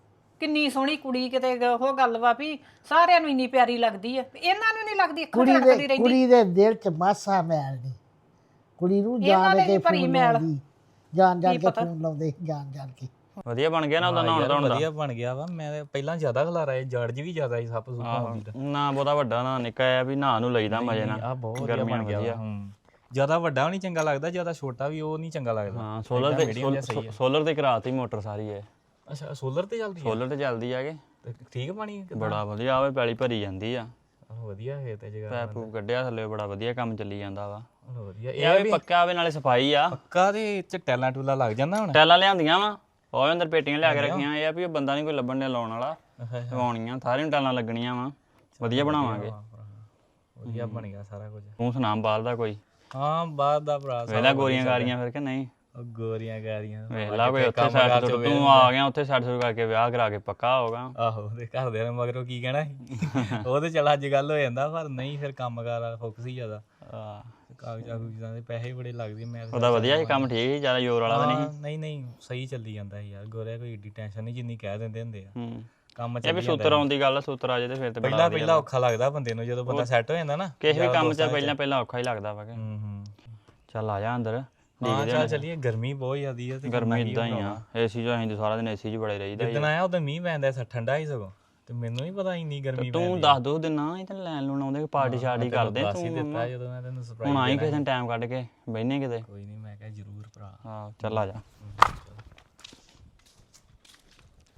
S2: ਕਿੰਨੀ ਸੋਹਣੀ ਕੁੜੀ, ਕਿਤੇ ਉਹ ਗੱਲ ਵਾ ਵੀ ਸਾਰਿਆਂ ਨੂੰ ਇੰਨੀ ਪਿਆਰੀ ਲੱਗਦੀ ਆ, ਇਹਨਾਂ ਨੂੰ ਨਹੀਂ ਲੱਗਦੀ, ਅੱਖਾਂ
S5: ਕੁੜੀ
S2: ਤੇ ਰੱਖਦੀ
S5: ਦੇ
S2: ਰਹਿੰਦੀ।
S5: ਕੁੜੀ ਦੇ ਦਿਲ ਚ ਮਾਸਾ ਮੈਲ ਨਹੀਂ। ਕੁੜੀ ਨੂੰ
S2: ਇਹਨਾਂ
S5: ਜਾਣ
S2: ਦੇ
S5: ਕੇ
S2: ਵੀ ਭਰੀ
S5: ਫੋਨ
S2: ਮੈਲ।
S5: ਲਾਉਂਦੀ, ਜਾਣ
S2: ਕੀ
S5: ਕੇ
S2: ਪਤਾ।
S5: ਫੋਨ ਲਾਉਂਦੇ ਜਾਣ ਕੇ।
S7: ਵਧੀਆ ਬਣ ਗਿਆ ਨਾ ਉਹਦਾ
S1: ਹਾਂ
S7: ਨਹਾਉਣ
S1: ਯਾਰ,
S7: ਧੋਣ ਦਾ।
S1: ਵਧੀਆ ਬਣ ਗਿਆ ਵਾ। ਮੈਂ ਤੇ ਪਹਿਲਾਂ ਜ਼ਿਆਦਾ ਖਲਾਰਾ ਇਹ ਜੜ ਵੀ ਜ਼ਿਆਦਾ ਸੀ ਸੱਪ ਸੁੱਪ
S7: ਆਹੋ
S1: ਆਉਂਦੀ ਦਾ।
S7: ਨਾ ਬਹੁਤਾ ਵੱਡਾ ਨਾ ਨਿੱਕਾ ਆ ਵੀ ਨਹਾ ਨੂੰ ਲਈਦਾ ਮਜੇ ਨਾਲ।
S1: ਆ ਬਹੁਤ ਵਧੀਆ
S7: ਗਰਮੀਆਂ
S1: ਬਣ ਗਿਆ
S7: ਵਧੀਆ।
S1: ਵਾ। ਜ਼ਿਆਦਾ ਵੱਡਾ ਵੀ ਨਹੀਂ ਚੰਗਾ ਲੱਗਦਾ, ਜ਼ਿਆਦਾ ਛੋਟਾ ਵੀ ਉਹ ਨਹੀਂ ਚੰਗਾ ਲੱਗਦਾ।
S7: ਹਾਂ ਸੋਲਰ
S1: ਏਦਾਂ medium ਜਿਹਾ
S7: ਤੇ
S1: ਸਹੀ ਆ।
S7: ਸੋਲਰ ਤੇ ਕਰਾਤੀ ਮੋਟਰ ਸਾਰੀ ਇਹ।
S1: ਅੱਛਾ ਸੋਲਰ ਤੇ ਚੱਲਦੀ ਆ?
S7: ਸੋਲਰ ਤੇ ਚੱਲਦੀ ਆ ਕਿ
S1: ਤੇ ਠੀਕ ਪਾਣੀ
S7: ਬੜਾ ਵਧੀਆ ਆਵੇ, ਪੈਲੀ ਭਰੀ ਜਾਂਦੀ ਆ।
S1: ਵਧੀਆ ਹੈ ਤੇ ਜਗ੍ਹਾ
S7: ਪੈਪ ਪੂਪ ਕੱਢਿਆ ਥੱਲੇ, ਬੜਾ ਵਧੀਆ ਕੰਮ ਚੱਲੀ ਜਾਂਦਾ ਵਾ।
S1: ਵਧੀਆ।
S7: ਇਹ ਵੀ ਪੱਕਾ ਆਵੇ, ਨਾਲੇ ਸਫਾਈ ਆ।
S1: ਪੱਕਾ ਦੇ ਚ ਟੈਲਾਂ ਟੂਲਾ ਲੱਗ ਜਾਂਦਾ ਹੁਣ।
S7: ਟੈਲਾਂ ਲਿਆਂਦੀਆਂ ਵਾ, ਉਹ ਅੰਦਰ ਪੇਟੀਆਂ ਲਿਆ ਕੇ ਰੱਖੀਆਂ। ਇਹ ਆ ਵੀ ਉਹ ਬੰਦਾ ਨਹੀਂ ਕੋਈ ਲੱਭਣ ਡਿਆ ਲਾਉਣ ਵਾਲਾ, ਲਵਾਉਣੀਆਂ ਸਾਰੀਆਂ ਨੂੰ ਟੈਲਾਂ ਲੱਗਣੀਆਂ ਵਾ। ਵਧੀਆ ਬਣਾਵਾਂਗੇ।
S1: ਵਧੀਆ ਬਣ ਗਿਆ ਸਾਰਾ ਕੁਝ।
S7: ਤੂੰ ਸੁਣਾ ਬਾਹਰ ਦਾ ਕੋਈ?
S1: ਹਾਂ ਬਾਅਦ ਦਾ ਭਰਾ
S7: ਵੇਲਾ ਗੋਰੀਆਂ ਗਾਰੀਆਂ ਫਿਰ ਕਿ ਨਹੀਂ?
S1: ਉਹ ਗੋਰੀਆਂ ਗਾਰੀਆਂ
S7: ਵੇਲਾ ਕੋਈ ਉੱਥੇ ਸੈਟ ਸੁੱਟ, ਤੂੰ ਆ ਗਿਆ ਉੱਥੇ ਸੈਟ ਸੁੱਟ ਕਰਕੇ ਵਿਆਹ ਕਰਾ ਕੇ ਪੱਕਾ ਹੋਗਾ।
S1: ਆਹੋ ਤੇ ਘਰਦਿਆਂ ਨੇ ਮਗਰੋਂ ਕੀ ਕਹਿਣਾ ਸੀ। ਉਹ ਤੇ ਚੱਲ ਅੱਜ ਗੱਲ ਹੋ ਜਾਂਦਾ, ਪਰ ਨਹੀਂ ਫਿਰ ਕੰਮਕਾਰ ਵਾਲਾ ਫੋਕਸ ਹੀ ਜ਼ਿਆਦਾ। ਕਾਗਜ਼ਾਂ ਕੂਗਜ਼ਾਂ ਦੇ ਪੈਸੇ ਬੜੇ ਲੱਗਦੇ। ਮੈਂ
S7: ਉਹਦਾ ਵਧੀਆ ਸੀ ਕੰਮ, ਠੀਕ ਸੀ, ਜ਼ਿਆਦਾ ਜ਼ੋਰ ਵਾਲਾ ਤਾਂ ਨਹੀਂ?
S1: ਨਹੀਂ ਸਹੀ ਚੱਲੀ ਜਾਂਦਾ ਸੀ ਯਾਰ। ਗੋਰਿਆ ਕੋਈ ਏਡੀ ਟੈਨਸ਼ਨ ਨਹੀਂ ਜਿੰਨੀ ਕਹਿ ਦਿੰਦੇ ਹੁੰਦੇ ਆ। ਕੰਮ
S7: ਇਹ
S1: ਚੱਲੀ
S7: ਵੀ
S1: ਜਾਂਦਾ।
S7: ਸੂਤਰ ਆਉਣ ਦੀ ਗੱਲ ਆ, ਸੂਤਰ ਆ ਜੇ ਤੇ ਫਿਰ ਤੇ ਬੜਾ
S1: ਪਹਿਲਾਂ ਔਖਾ ਲੱਗਦਾ ਬੰਦੇ ਨੂੰ, ਜਦੋਂ ਬੰਦਾ ਸੈੱਟ ਹੋ ਜਾਂਦਾ ਨਾ
S7: ਕਿਸੇ ਵੀ ਕੰਮ 'ਚ ਪਹਿਲਾਂ ਔਖਾ ਹੀ ਲੱਗਦਾ ਵਾ ਕਿ।
S1: ਹੂੰ
S7: ਚੱਲ ਆ ਜਾ ਅੰਦਰ।
S1: ਹਾਂ ਚੱਲ ਚੱਲੀਏ। ਗਰਮੀ ਬਹੁਤ ਜ਼ਿਆਦੀ ਆ ਤੇ
S7: ਗਰਮੀ ਇਦਾਂ ਹੀ ਆ, ਏਸੀ 'ਚ ਅਸੀਂ ਤਾਂ ਸਾਰਾ ਦਿਨ ਏਸੀ 'ਚ ਬੜੇ ਰਹੀਦਾ।
S1: ਜਿੱਦਣ ਆਇਆ ਉਦੋਂ ਮੀਂਹ ਪੈਂਦਾ ਸੀ, ਠੰਡਾ ਹੀ ਸਗੋਂ। ਤੇ ਮੈਨੂੰ ਨਹੀਂ ਪਤਾ ਇੰਨੀ ਗਰਮੀ ਪੈਂਦੀ।
S7: ਤੂੰ ਦੱਸ ਦੋ ਦਿਨਾਂ ਇਹ ਤਾਂ ਲੈਣ ਲੂਣ ਆਉਂਦੇ, ਪਾਰਟੀ ਸ਼ਾਰਟੀ ਕਰਦੇ
S1: ਦੱਸ ਹੀ ਦਿੱਤਾ ਜਦੋਂ ਮੈਂ ਤੈਨੂੰ ਸਰਪ੍ਰਾਈਜ਼
S7: ਹੁਣ ਆਈ ਕਿਸੇ ਦਿਨ ਟਾਈਮ ਕੱਢ ਕੇ ਬਹਿਨੇ ਕਿਤੇ।
S1: ਕੋਈ ਨਹੀਂ, ਮੈਂ ਕਿਹਾ ਜ਼ਰੂਰ ਭਰਾ।
S7: ਹਾਂ ਚੱਲ ਆ ਜਾ।